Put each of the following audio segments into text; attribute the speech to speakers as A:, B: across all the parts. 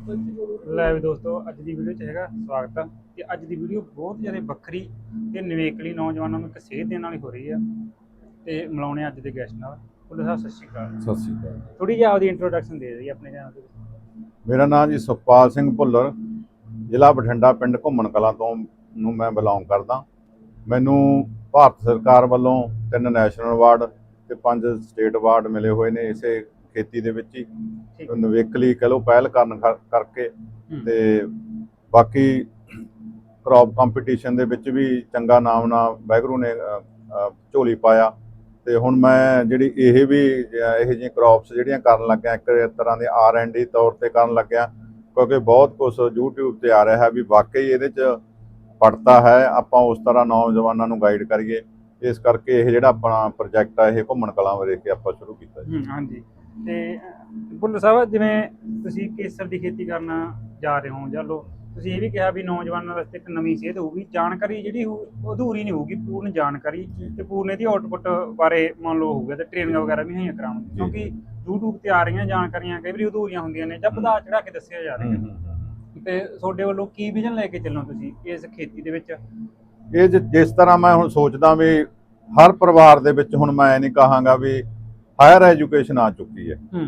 A: ਲੈ ਵੀ ਦੋਸਤੋ, ਅੱਜ ਦੀ ਵੀਡੀਓ 'ਚ ਹੈਗਾ ਸਵਾਗਤ ਆ। ਤੇ ਅੱਜ ਦੀ ਵੀਡੀਓ ਬਹੁਤ ਜ਼ਿਆਦਾ ਵੱਖਰੀ ਤੇ ਨਿਵੇਕਲੀ ਨੌਜਵਾਨਾਂ ਨੂੰ ਇੱਕ ਸੇਧ ਦੇਣ ਵਾਲੀ ਹੋ ਰਹੀ ਆ। ਤੇ ਮਿਲਾਉਣੇ ਅੱਜ ਦੇ ਗੈਸਟ ਨਾਲ। ਭੁੱਲਰ ਸਾਹਿਬ ਸਤਿ ਸ਼੍ਰੀ ਅਕਾਲ।
B: ਸਤਿ ਸ਼੍ਰੀ ਅਕਾਲ।
A: ਥੋੜੀ ਜਿਹੀ ਆਪਦੀ ਇੰਟਰੋਡਕਸ਼ਨ ਦੇ ਦਿਓ ਆਪਣੇ ਚੈਨਲ ਤੇ।
B: ਮੇਰਾ ਨਾਮ ਜੀ ਸੁਖਪਾਲ ਸਿੰਘ ਭੁੱਲਰ, ਜ਼ਿਲ੍ਹਾ ਬਠਿੰਡਾ, ਪਿੰਡ ਘੁੰਮਣ ਕਲਾਂ ਤੋਂ ਨੂੰ ਮੈਂ ਬਿਲੋਂਗ ਕਰਦਾ। ਮੈਨੂੰ ਭਾਰਤ ਸਰਕਾਰ ਵੱਲੋਂ 3 ਨੈਸ਼ਨਲ ਅਵਾਰਡ ਤੇ 5 ਸਟੇਟ ਅਵਾਰਡ ਮਿਲੇ ਹੋਏ ਨੇ ਇਸੇ ਖੇਤੀ ਦੇ ਵਿੱਚ ਹੀ ਨਿਵੇਕਲੀ ਕਹ ਲਓ ਪਹਿਲ ਕਰਨ ਕਰਕੇ। ਤੇ ਬਾਕੀ ਕ੍ਰੌਪ ਕੰਪੀਟੀਸ਼ਨ ਦੇ ਵਿੱਚ ਵੀ ਚੰਗਾ ਨਾਮ ਨਾ ਵਾਹਿਗੁਰੂ ਨੇ ਝੋਲੀ ਪਾਇਆ। ਤੇ ਹੁਣ ਮੈਂ ਜਿਹੜੀ ਇਹ ਵੀ ਇਹੋ ਜਿਹੀਆਂ ਕ੍ਰੌਪਸ ਜਿਹੜੀਆਂ ਕਰਨ ਲੱਗਿਆ, ਇੱਕ ਤਰ੍ਹਾਂ ਦੇ R&D ਤੌਰ ਤੇ ਕਰਨ ਲੱਗਿਆ, ਕਿਉਂਕਿ ਬਹੁਤ ਕੁਝ YouTube ਤੇ ਆ ਰਿਹਾ ਹੈ ਵੀ ਵਾਕਈ ਇਹਦੇ 'ਚ ਪੜਤਾ ਹੈ। ਆਪਾਂ ਉਸ ਤਰ੍ਹਾਂ ਨੌਜਵਾਨਾਂ ਨੂੰ ਗਾਈਡ ਕਰੀਏ, ਇਸ ਕਰਕੇ ਇਹ ਜਿਹੜਾ ਆਪਣਾ ਪ੍ਰੋਜੈਕਟ ਆ ਇਹ ਘੁੰਮਣ ਕਲਾਂ ਬਾਰੇ ਕੇ ਆਪਾਂ ਸ਼ੁਰੂ ਕੀਤਾ ਜੀ।
A: ਹਾਂਜੀ। ਤੇ ਭੁੱਲਰ ਸਾਹਿਬ, ਜਿਵੇਂ ਤੁਸੀਂ ਕੇਸਰ ਦੀ ਖੇਤੀ ਕਰਨ ਜਾ ਰਹੇ ਹੋ, ਜਾਂ ਲੋ ਤੁਸੀਂ ਇਹ ਵੀ ਕਿਹਾ ਵੀ ਨੌਜਵਾਨਾਂ ਵਾਸਤੇ ਇੱਕ ਨਵੀਂ ਸੇਧ ਹੋਊਗੀ, ਜਾਣਕਾਰੀ ਜਿਹੜੀ ਅਧੂਰੀ ਨਹੀਂ ਹੋਊਗੀ, ਪੂਰਨ ਜਾਣਕਾਰੀ ਤੇ ਪੂਰਨ ਇਹਦੀ ਆਊਟਪੁੱਟ ਬਾਰੇ ਮੰਨ ਲਓ ਹੋਊਗਾ, ਤੇ ਟ੍ਰੇਨਿੰਗ ਵਗੈਰਾ ਵੀ ਹੋਈਆਂ ਕਰਾਉਣਗੇ, ਕਿਉਂਕਿ YouTube ਤੇ ਆ ਰਹੀਆਂ ਜਾਣਕਾਰੀਆਂ ਕਈ ਵਾਰੀ ਅਧੂਰੀਆਂ ਹੁੰਦੀਆਂ ਨੇ ਜਾਂ ਵਧਾ ਚੜਾ ਕੇ ਦੱਸਿਆ ਜਾ ਰਿਹਾ। ਤੇ ਤੁਹਾਡੇ ਵੱਲੋਂ ਕੀ ਵਿਜ਼ਨ ਲੈ ਕੇ ਚੱਲੋ ਤੁਸੀਂ ਇਸ ਖੇਤੀ ਦੇ ਵਿੱਚ?
B: ਇਹ ਜਿਸ ਤਰ੍ਹਾਂ ਮੈਂ ਹੁਣ ਸੋਚਦਾ ਵੀ ਹਰ ਪਰਿਵਾਰ ਦੇ ਵਿੱਚ ਹੁਣ ਮੈਂ ਨਹੀਂ ਕਹਾਂਗਾ ਵੀ ਹਾਇਰ ਐਜੂਕੇਸ਼ਨ ਆ ਚੁੱਕੀ ਹੈ।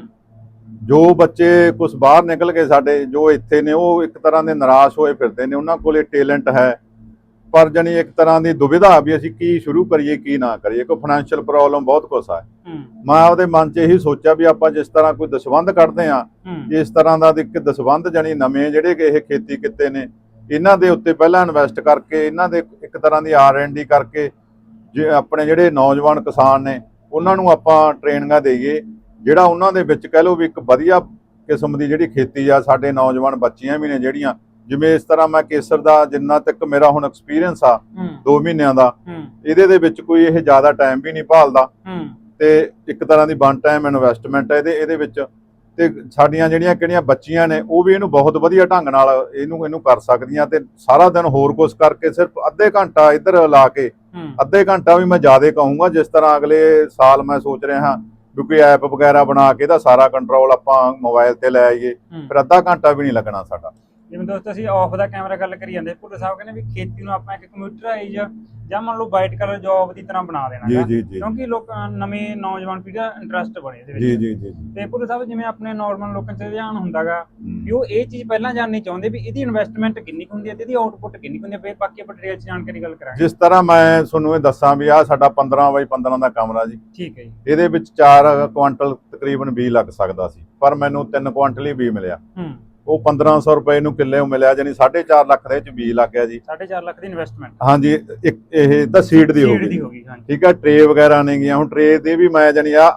B: ਜੋ ਬੱਚੇ ਕੁਝ ਬਾਹਰ ਨਿਕਲ ਕੇ ਸਾਡੇ ਜੋ ਇੱਥੇ ਨੇ ਉਹ ਇੱਕ ਤਰ੍ਹਾਂ ਦੇ ਨਿਰਾਸ਼ ਹੋਏ ਫਿਰਦੇ ਨੇ। ਉਹਨਾਂ ਕੋਲੇ ਟੈਲੈਂਟ ਹੈ, ਪਰ ਜਾਨੀ ਇੱਕ ਤਰ੍ਹਾਂ ਦੀ ਦੁਵਿਧਾ ਵੀ ਅਸੀਂ ਕੀ ਸ਼ੁਰੂ ਕਰੀਏ ਕੀ ਨਾ ਕਰੀਏ, ਕੋਈ ਫਾਈਨੈਂਸ਼ੀਅਲ ਪ੍ਰੋਬਲਮ ਬਹੁਤ ਕੁਛ ਹੈ। ਮੈਂ ਉਹਦੇ ਮਨ 'ਚ ਇਹੀ ਸੋਚਿਆ ਵੀ ਆਪਾਂ ਜਿਸ ਤਰ੍ਹਾਂ ਕੋਈ ਦਸਵੰਧ ਕੱਢਦੇ ਆ, ਇਸ ਤਰ੍ਹਾਂ ਦਾ ਇੱਕ ਦਸਵੰਧ ਜਾਨੀ ਨਵੇਂ ਜਿਹੜੇ ਕਿ ਇਹ ਖੇਤੀ ਕਿੱਤੇ ਨੇ ਇਹਨਾਂ ਦੇ ਉੱਤੇ ਪਹਿਲਾਂ ਇਨਵੈਸਟ ਕਰਕੇ, ਇਹਨਾਂ ਦੇ ਇੱਕ ਤਰ੍ਹਾਂ ਦੀ R&D ਕਰਕੇ ਜੇ ਆਪਣੇ ਜਿਹੜੇ ਨੌਜਵਾਨ ਕਿਸਾਨ ਨੇ ਉਹਨਾਂ ਨੂੰ ਆਪਾਂ ਟ੍ਰੇਨਿੰਗਾਂ ਦੇਈਏ, ਜਿਹੜਾ ਉਹਨਾਂ ਦੇ ਵਿੱਚ ਕਹਿ ਲਓ ਵੀ ਇੱਕ ਵਧੀਆ ਕਿਸਮ ਦੀ ਜਿਹੜੀ ਖੇਤੀ ਆ। ਸਾਡੇ ਨੌਜਵਾਨ ਬੱਚੀਆਂ ਵੀ ਨੇ ਜਿਹੜੀਆਂ, ਜਿਵੇਂ ਇਸ ਤਰ੍ਹਾਂ ਮੈਂ ਕੇਸਰ ਦਾ ਜਿੰਨਾ ਤੱਕ ਮੇਰਾ ਹੁਣ ਐਕਸਪੀਰੀਅੰਸ ਆ 2 ਮਹੀਨਿਆਂ ਦਾ, ਇਹਦੇ ਦੇ ਵਿੱਚ ਕੋਈ ਇਹ ਜ਼ਿਆਦਾ ਟਾਈਮ ਵੀ ਨਹੀਂ ਭਾਲਦਾ ਤੇ ਇੱਕ ਤਰ੍ਹਾਂ ਦੀ ਵਨ ਟਾਈਮ ਇਨਵੈਸਟਮੈਂਟ ਹੈ ਇਹਦੇ ਵਿੱਚ। ਤੇ ਸਾਡੀਆਂ ਜਿਹੜੀਆਂ ਕਿਹੜੀਆਂ ਬੱਚੀਆਂ ਨੇ ਉਹ ਵੀ ਇਹਨੂੰ ਬਹੁਤ ਵਧੀਆ ਢੰਗ ਨਾਲ ਇਹਨੂੰ ਕਰ ਸਕਦੀਆਂ। ਤੇ ਸਾਰਾ ਦਿਨ ਹੋਰ ਕੁਝ ਕਰਕੇ ਸਿਰਫ ਅੱਧੇ ਘੰਟਾ ਇੱਧਰ ਲਾ ਕੇ, ਅੱਧੇ ਘੰਟਾ ਵੀ ਮੈਂ ਜ਼ਿਆਦਾ ਕਹੂੰਗਾ, ਜਿਸ ਤਰ੍ਹਾਂ ਅਗਲੇ ਸਾਲ ਮੈਂ ਸੋਚ ਰਿਹਾ ਹਾਂ ਵੀ ਕੋਈ ਐਪ ਵਗੈਰਾ ਬਣਾ ਕੇ ਇਹਦਾ ਸਾਰਾ ਕੰਟਰੋਲ ਆਪਾਂ ਮੋਬਾਈਲ ਤੇ ਲੈ ਆਈਏ, ਫਿਰ ਅੱਧਾ ਘੰਟਾ ਵੀ ਨਹੀਂ ਲੱਗਣਾ ਸਾਡਾ।
A: ਜਿਵੇਂ ਦੋਸਤੋ ਅਸੀਂ ਆਫ ਦਾ ਕੈਮਰਾ ਗੱਲ ਕਰੀ ਜਾਂਦੇ, ਭੁੱਲਰ ਸਾਹਿਬ ਕਹਿੰਦੇ ਵੀ ਖੇਤੀ ਨੂੰ ਆਪਾਂ ਇੱਕ ਕੰਪਿਊਟਰਾਈਜ਼ ਜਾਂ ਮੰਨ ਲਓ ਵਾਈਟ ਕਲਰ ਜੌਬ ਦੀ ਤਰ੍ਹਾਂ ਬਣਾ ਦੇਣਾ, ਕਿਉਂਕਿ ਲੋਕ ਨਵੇਂ ਨੌਜਵਾਨ ਪੀੜ੍ਹੀ ਦਾ ਇੰਟਰਸਟ ਬਣੇ ਇਹਦੇ ਵਿੱਚ। ਤੇ ਭੁੱਲਰ ਸਾਹਿਬ, ਜਿਵੇਂ ਆਪਣੇ ਨਾਰਮਲ ਲੋਕਾਂ 'ਚ ਧਿਆਨ ਹੁੰਦਾਗਾ ਵੀ ਉਹ ਇਹ ਚੀਜ਼ ਪਹਿਲਾਂ ਜਾਣਨੀ ਚਾਹੁੰਦੇ ਵੀ ਇਹਦੀ ਇਨਵੈਸਟਮੈਂਟ ਕਿੰਨੀ ਹੁੰਦੀ ਹੈ ਤੇ ਇਹਦੀ ਆਊਟਪੁੱਟ ਕਿੰਨੀ ਹੁੰਦੀ ਹੈ। ਫਿਰ ਬਾਕੀ ਆਪਾਂ ਡਿਟੇਲ 'ਚ ਜਾਣਕਾਰੀ ਗੱਲ ਕਰਾਂਗੇ।
B: ਜਿਸ ਤਰ੍ਹਾਂ ਮੈਂ ਤੁਹਾਨੂੰ ਇਹ ਦੱਸਾਂ ਵੀ ਆਹ ਸਾਡਾ 15x15 ਦਾ ਕਮਰਾ ਜੀ,
A: ਠੀਕ ਹੈ ਜੀ।
B: ਇਹਦੇ ਵਿੱਚ 4 ਕੁਆਂਟਲ ਤਕਰੀਬਨ ਬੀਜ ਲੱਗ ਸਕਦਾ ਸੀ, ਪਰ ਮੈਨੂੰ 3 ਕੁਆਂਟਲ ਹੀ ਬੀਜ ਮਿਲਿਆ। ਉਹ 1500 ਰੁਪਏ ਨੂੰ ਕਿੱਲੇ ਨੂੰ ਮਿਲਿਆ, ਜਾਨੀ 4.5 ਲੱਖ ਦੇ ਵਿੱਚ ਬੀਜ ਲੱਗ ਗਿਆ ਜੀ।
A: 4.5 ਲੱਖ ਦੀ ਇਨਵੈਸਟਮੈਂਟ?
B: ਹਾਂਜੀ, ਇਹ ਤਾਂ ਸੀਡ ਦੀ ਹੋ ਗਈ। ਠੀਕ ਹੈ, ਟਰੇ ਵਗੈਰਾ ਨਹੀਂ ਗਿਆ। ਹੁਣ ਟਰੇ ਦੇ ਵੀ ਮੈਂ ਜਾਨੀ ਆ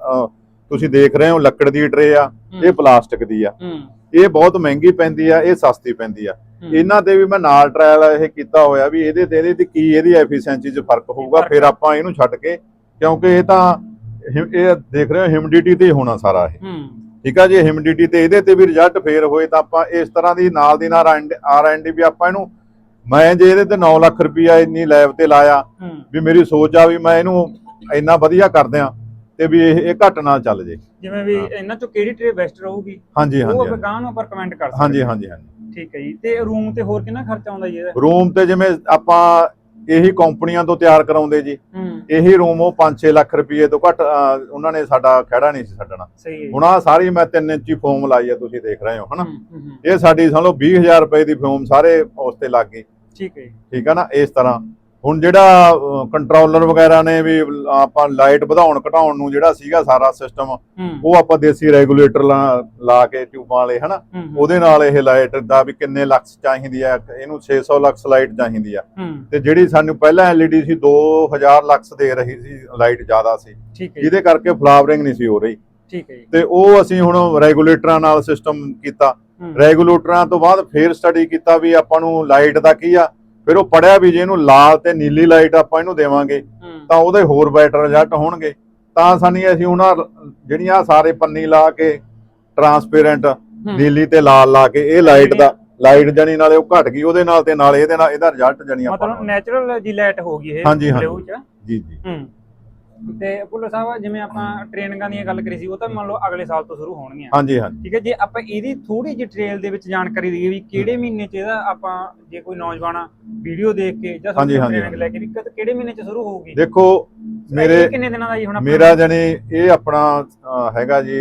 B: ਤੁਸੀਂ ਦੇਖ ਰਹੇ ਹੋ ਲੱਕੜ ਦੀ ਟਰੇ ਆ, ਇਹ ਪਲਾਸਟਿਕ ਦੀ ਆ। ਇਹ ਬਹੁਤ ਮਹਿੰਗੀ ਪੈਂਦੀ ਆ, ਇਹ ਸਸਤੀ ਪੈਂਦੀ ਆ। ਇਹਨਾਂ ਤੇ ਵੀ ਮੈਂ ਨਾਲ ਟਰਾਇਲ ਇਹ ਕੀਤਾ ਹੋਇਆ ਵੀ ਇਹਦੇ ਤੇ ਕੀ ਇਹਦੀ ਐਫੀਸ਼ੀਐਂਸੀ 'ਚ ਫਰਕ ਹੋਊਗਾ, ਫਿਰ ਆਪਾਂ ਇਹਨੂੰ ਛੱਡ ਕੇ, ਕਿਉਂਕਿ ਇਹ ਤਾਂ ਇਹ ਦੇਖ ਰਹੇ ਹੋ ਹਿਊਮਿਡਿਟੀ ਤੇ ਹੋਣਾ ਸਾਰਾ ਇਹ। ਠੀਕ ਆ ਜੀ, ਹਿਊਮਿਡਿਟੀ ਤੇ ਇਹਦੇ ਤੇ ਵੀ ਰਿਜ਼ਲਟ ਫੇਰ ਹੋਏ ਤਾਂ ਆਪਾਂ ਇਸ ਤਰ੍ਹਾਂ ਦੀ ਨਾਲ ਦੀ ਨਾਲ R&D ਵੀ ਆਪਾਂ ਇਹਨੂੰ, ਮੈਂ ਜੇ ਇਹਦੇ ਤੇ 9 ਲੱਖ ਰੁਪਇਆ ਇੰਨੀ ਲੈਬ ਤੇ ਲਾਇਆ ਵੀ ਮੇਰੀ ਸੋਚ ਆ ਵੀ ਮੈਂ ਇਹਨੂੰ ਇੰਨਾ ਵਧੀਆ ਕਰ ਦਿਆਂ ਤੇ ਵੀ ਇਹ ਘੱਟ ਨਾ ਚੱਲ ਜੇ।
A: ਜਿਵੇਂ ਵੀ ਇਹਨਾਂ ਚੋਂ ਕਿਹੜੀ ਟਰੇ ਬੈਸਟ ਰਹੂਗੀ?
B: ਹਾਂਜੀ
A: ਉਹ ਅਗਾਂਹ ਨੂੰ ਆਪਾਂ ਕਮੈਂਟ ਕਰ ਸਕਦੇ।
B: ਹਾਂਜੀ।
A: ਠੀਕ ਹੈ ਜੀ। ਤੇ ਰੂਮ ਤੇ ਹੋਰ ਕਿੰਨਾ ਖਰਚਾ ਆਉਂਦਾ ਜੀ ਇਹਦਾ? ਰੂਮ
B: ਤੇ ਜਿਵੇਂ ਆਪਾਂ ਇਹੀ ਕੰਪਨੀਆਂ ਤੋਂ ਤਿਆਰ ਕਰਾਉਂਦੇ ਜੀ, ਇਹੀ ਰੂਮ ਉਹ 5-6 ਲੱਖ ਰੁਪਏ ਤੋਂ ਘੱਟ ਉਹਨਾਂ ਨੇ ਸਾਡਾ ਖਹਿੜਾ ਨਹੀਂ ਸੀ ਛੱਡਣਾ। ਹੁਣ ਆ ਸਾਰੀ ਮੈਂ 3 ਇੰਚੀ ਫੋਮ ਲਾਈ ਆ, ਤੁਸੀਂ ਦੇਖ ਰਹੇ ਹੋ ਹਨਾ। ਇਹ ਸਾਡੀ ਸਮਝ ਲਓ 20,000 ਰੁਪਏ ਦੀ ਫੋਮ ਸਾਰੇ ਉਸ ਤੇ ਲੱਗ ਗਈ।
A: ਠੀਕ ਹੈ,
B: ਠੀਕ ਹੈ ਨਾ। ਇਸ ਤਰ੍ਹਾਂ ਹੁਣ ਜਿਹੜਾ ਕੰਟਰੋਲਰ ਵਗੈਰਾ ਨੇ ਵੀ ਆਪਾਂ ਲਾਈਟ ਵਧਾਉਣ ਘਟਾਉਣ ਨੂੰ ਜਿਹੜਾ ਸੀਗਾ ਸਾਰਾ ਸਿਸਟਮ, ਉਹ ਆਪਾਂ ਦੇਸੀ ਰੈਗੂਲੇਟਰ ਲਾ ਕੇ ਟਿਊਬਾਂ ਵਾਲੇ ਹਨਾ, ਉਹਦੇ ਨਾਲ ਇਹ ਲਾਈਟ ਦਾ ਵੀ ਕਿੰਨੇ ਲਕਸ ਚਾਹੀਦੀ ਆ, ਇਹਨੂੰ 600 ਲਕਸ ਲਾਈਟ ਚਾਹੀਦੀ ਆ। ਤੇ ਜਿਹੜੀ ਸਾਨੂੰ ਪਹਿਲਾਂ LED ਸੀ 2000 ਲਕਸ ਦੇ ਰਹੀ ਸੀ, ਲਾਈਟ ਜ਼ਿਆਦਾ ਸੀ, ਜਿਹਦੇ ਕਰਕੇ ਫਲਾਵਰਿੰਗ ਨਹੀਂ ਸੀ ਹੋ ਰਹੀ।
A: ਠੀਕ ਹੈ।
B: ਤੇ ਉਹ ਅਸੀਂ ਹੁਣ ਰੈਗੂਲੇਟਰਾਂ ਨਾਲ ਸਿਸਟਮ ਕੀਤਾ। ਰੈਗੂਲੇਟਰਾਂ ਤੋਂ ਬਾਅਦ ਫੇਰ ਸਟੱਡੀ ਕੀਤਾ ਵੀ ਆਪਾਂ ਨੂੰ ਲਾਈਟ ਦਾ ਕੀ ਆ, ਫਿਰ ਉਹ ਪੜਿਆ ਵੀ ਜੇ ਇਹਨੂੰ ਲਾਲ ਤੇ ਨੀਲੀ ਲਾਈਟ ਆਪਾਂ ਇਹਨੂੰ ਦੇਵਾਂਗੇ ਤਾਂ ਉਹਦੇ ਹੋਰ ਬੈਟਰ ਰਿਜ਼ਲਟ ਹੋਣਗੇ। ਤਾਂ ਅਸੀਂ ਉਹਨਾਂ ਜਿਹੜੀਆਂ ਸਾਰੇ ਪੰਨੀ ਲਾ ਕੇ ਟਰਾਂਸਪੇਰੈਂਟ ਨੀਲੀ ਤੇ ਲਾਲ ਲਾ ਕੇ ਇਹ ਲਾਈਟ ਜਾਨੀ ਨਾਲੇ ਉਹ ਘਟ ਗਈ ਉਹਦੇ ਨਾਲ, ਤੇ ਨਾਲ ਇਹਦੇ ਨਾਲ ਇਹਦਾ ਰਿਜ਼ਲਟ ਜਾਨੀ ਆਪਾਂ
A: ਮਤਲਬ ਨੈਚੁਰਲ ਜੀ ਲਾਈਟ ਹੋ ਗਈ ਇਹ।
B: ਹਾਂਜੀ ਜੀ।
A: ਤੇ ਭੁੱਲਰ ਸਾਹਿਬ ਜਿਵੇਂ ਆਪਾਂ ਟ੍ਰੇਨਿੰਗਾਂ ਦੀਆਂ ਗੱਲ ਕਰੀ ਸੀ ਉਹ ਤਾਂ ਮੰਨ ਲਓ ਅਗਲੇ ਸਾਲ ਤੋਂ ਸ਼ੁਰੂ ਹੋਣਗੀਆਂ।
B: ਹਾਂਜੀ ਹਾਂਜੀ
A: ਠੀਕ ਹੈ, ਜੇ ਆਪਾਂ ਇਹਦੀ ਥੋੜੀ ਜਿਹੀ ਡਿਟੇਲ ਦੇ ਵਿੱਚ ਜਾਣਕਾਰੀ ਦਈਏ ਵੀ ਕਿਹੜੇ ਮਹੀਨੇ 'ਚ ਇਹਦਾ ਆਪਾਂ ਜੇ ਕੋਈ ਨੌਜਵਾਨ ਵੀਡੀਓ ਦੇਖ ਕੇ ਜਾਂ ਟ੍ਰੇਨਿੰਗ ਲੈ ਕੇ ਵੀ ਕਿਹੜੇ ਮਹੀਨੇ 'ਚ ਸ਼ੁਰੂ ਹੋਊਗੀ?
B: ਦੇਖੋ ਮੇਰੇ
A: ਕਿੰਨੇ ਦਿਨਾਂ ਦਾ ਜੀ ਹੁਣ
B: ਮੇਰਾ ਜਾਨੀ ਇਹ ਆਪਣਾ ਹੈਗਾ ਜੀ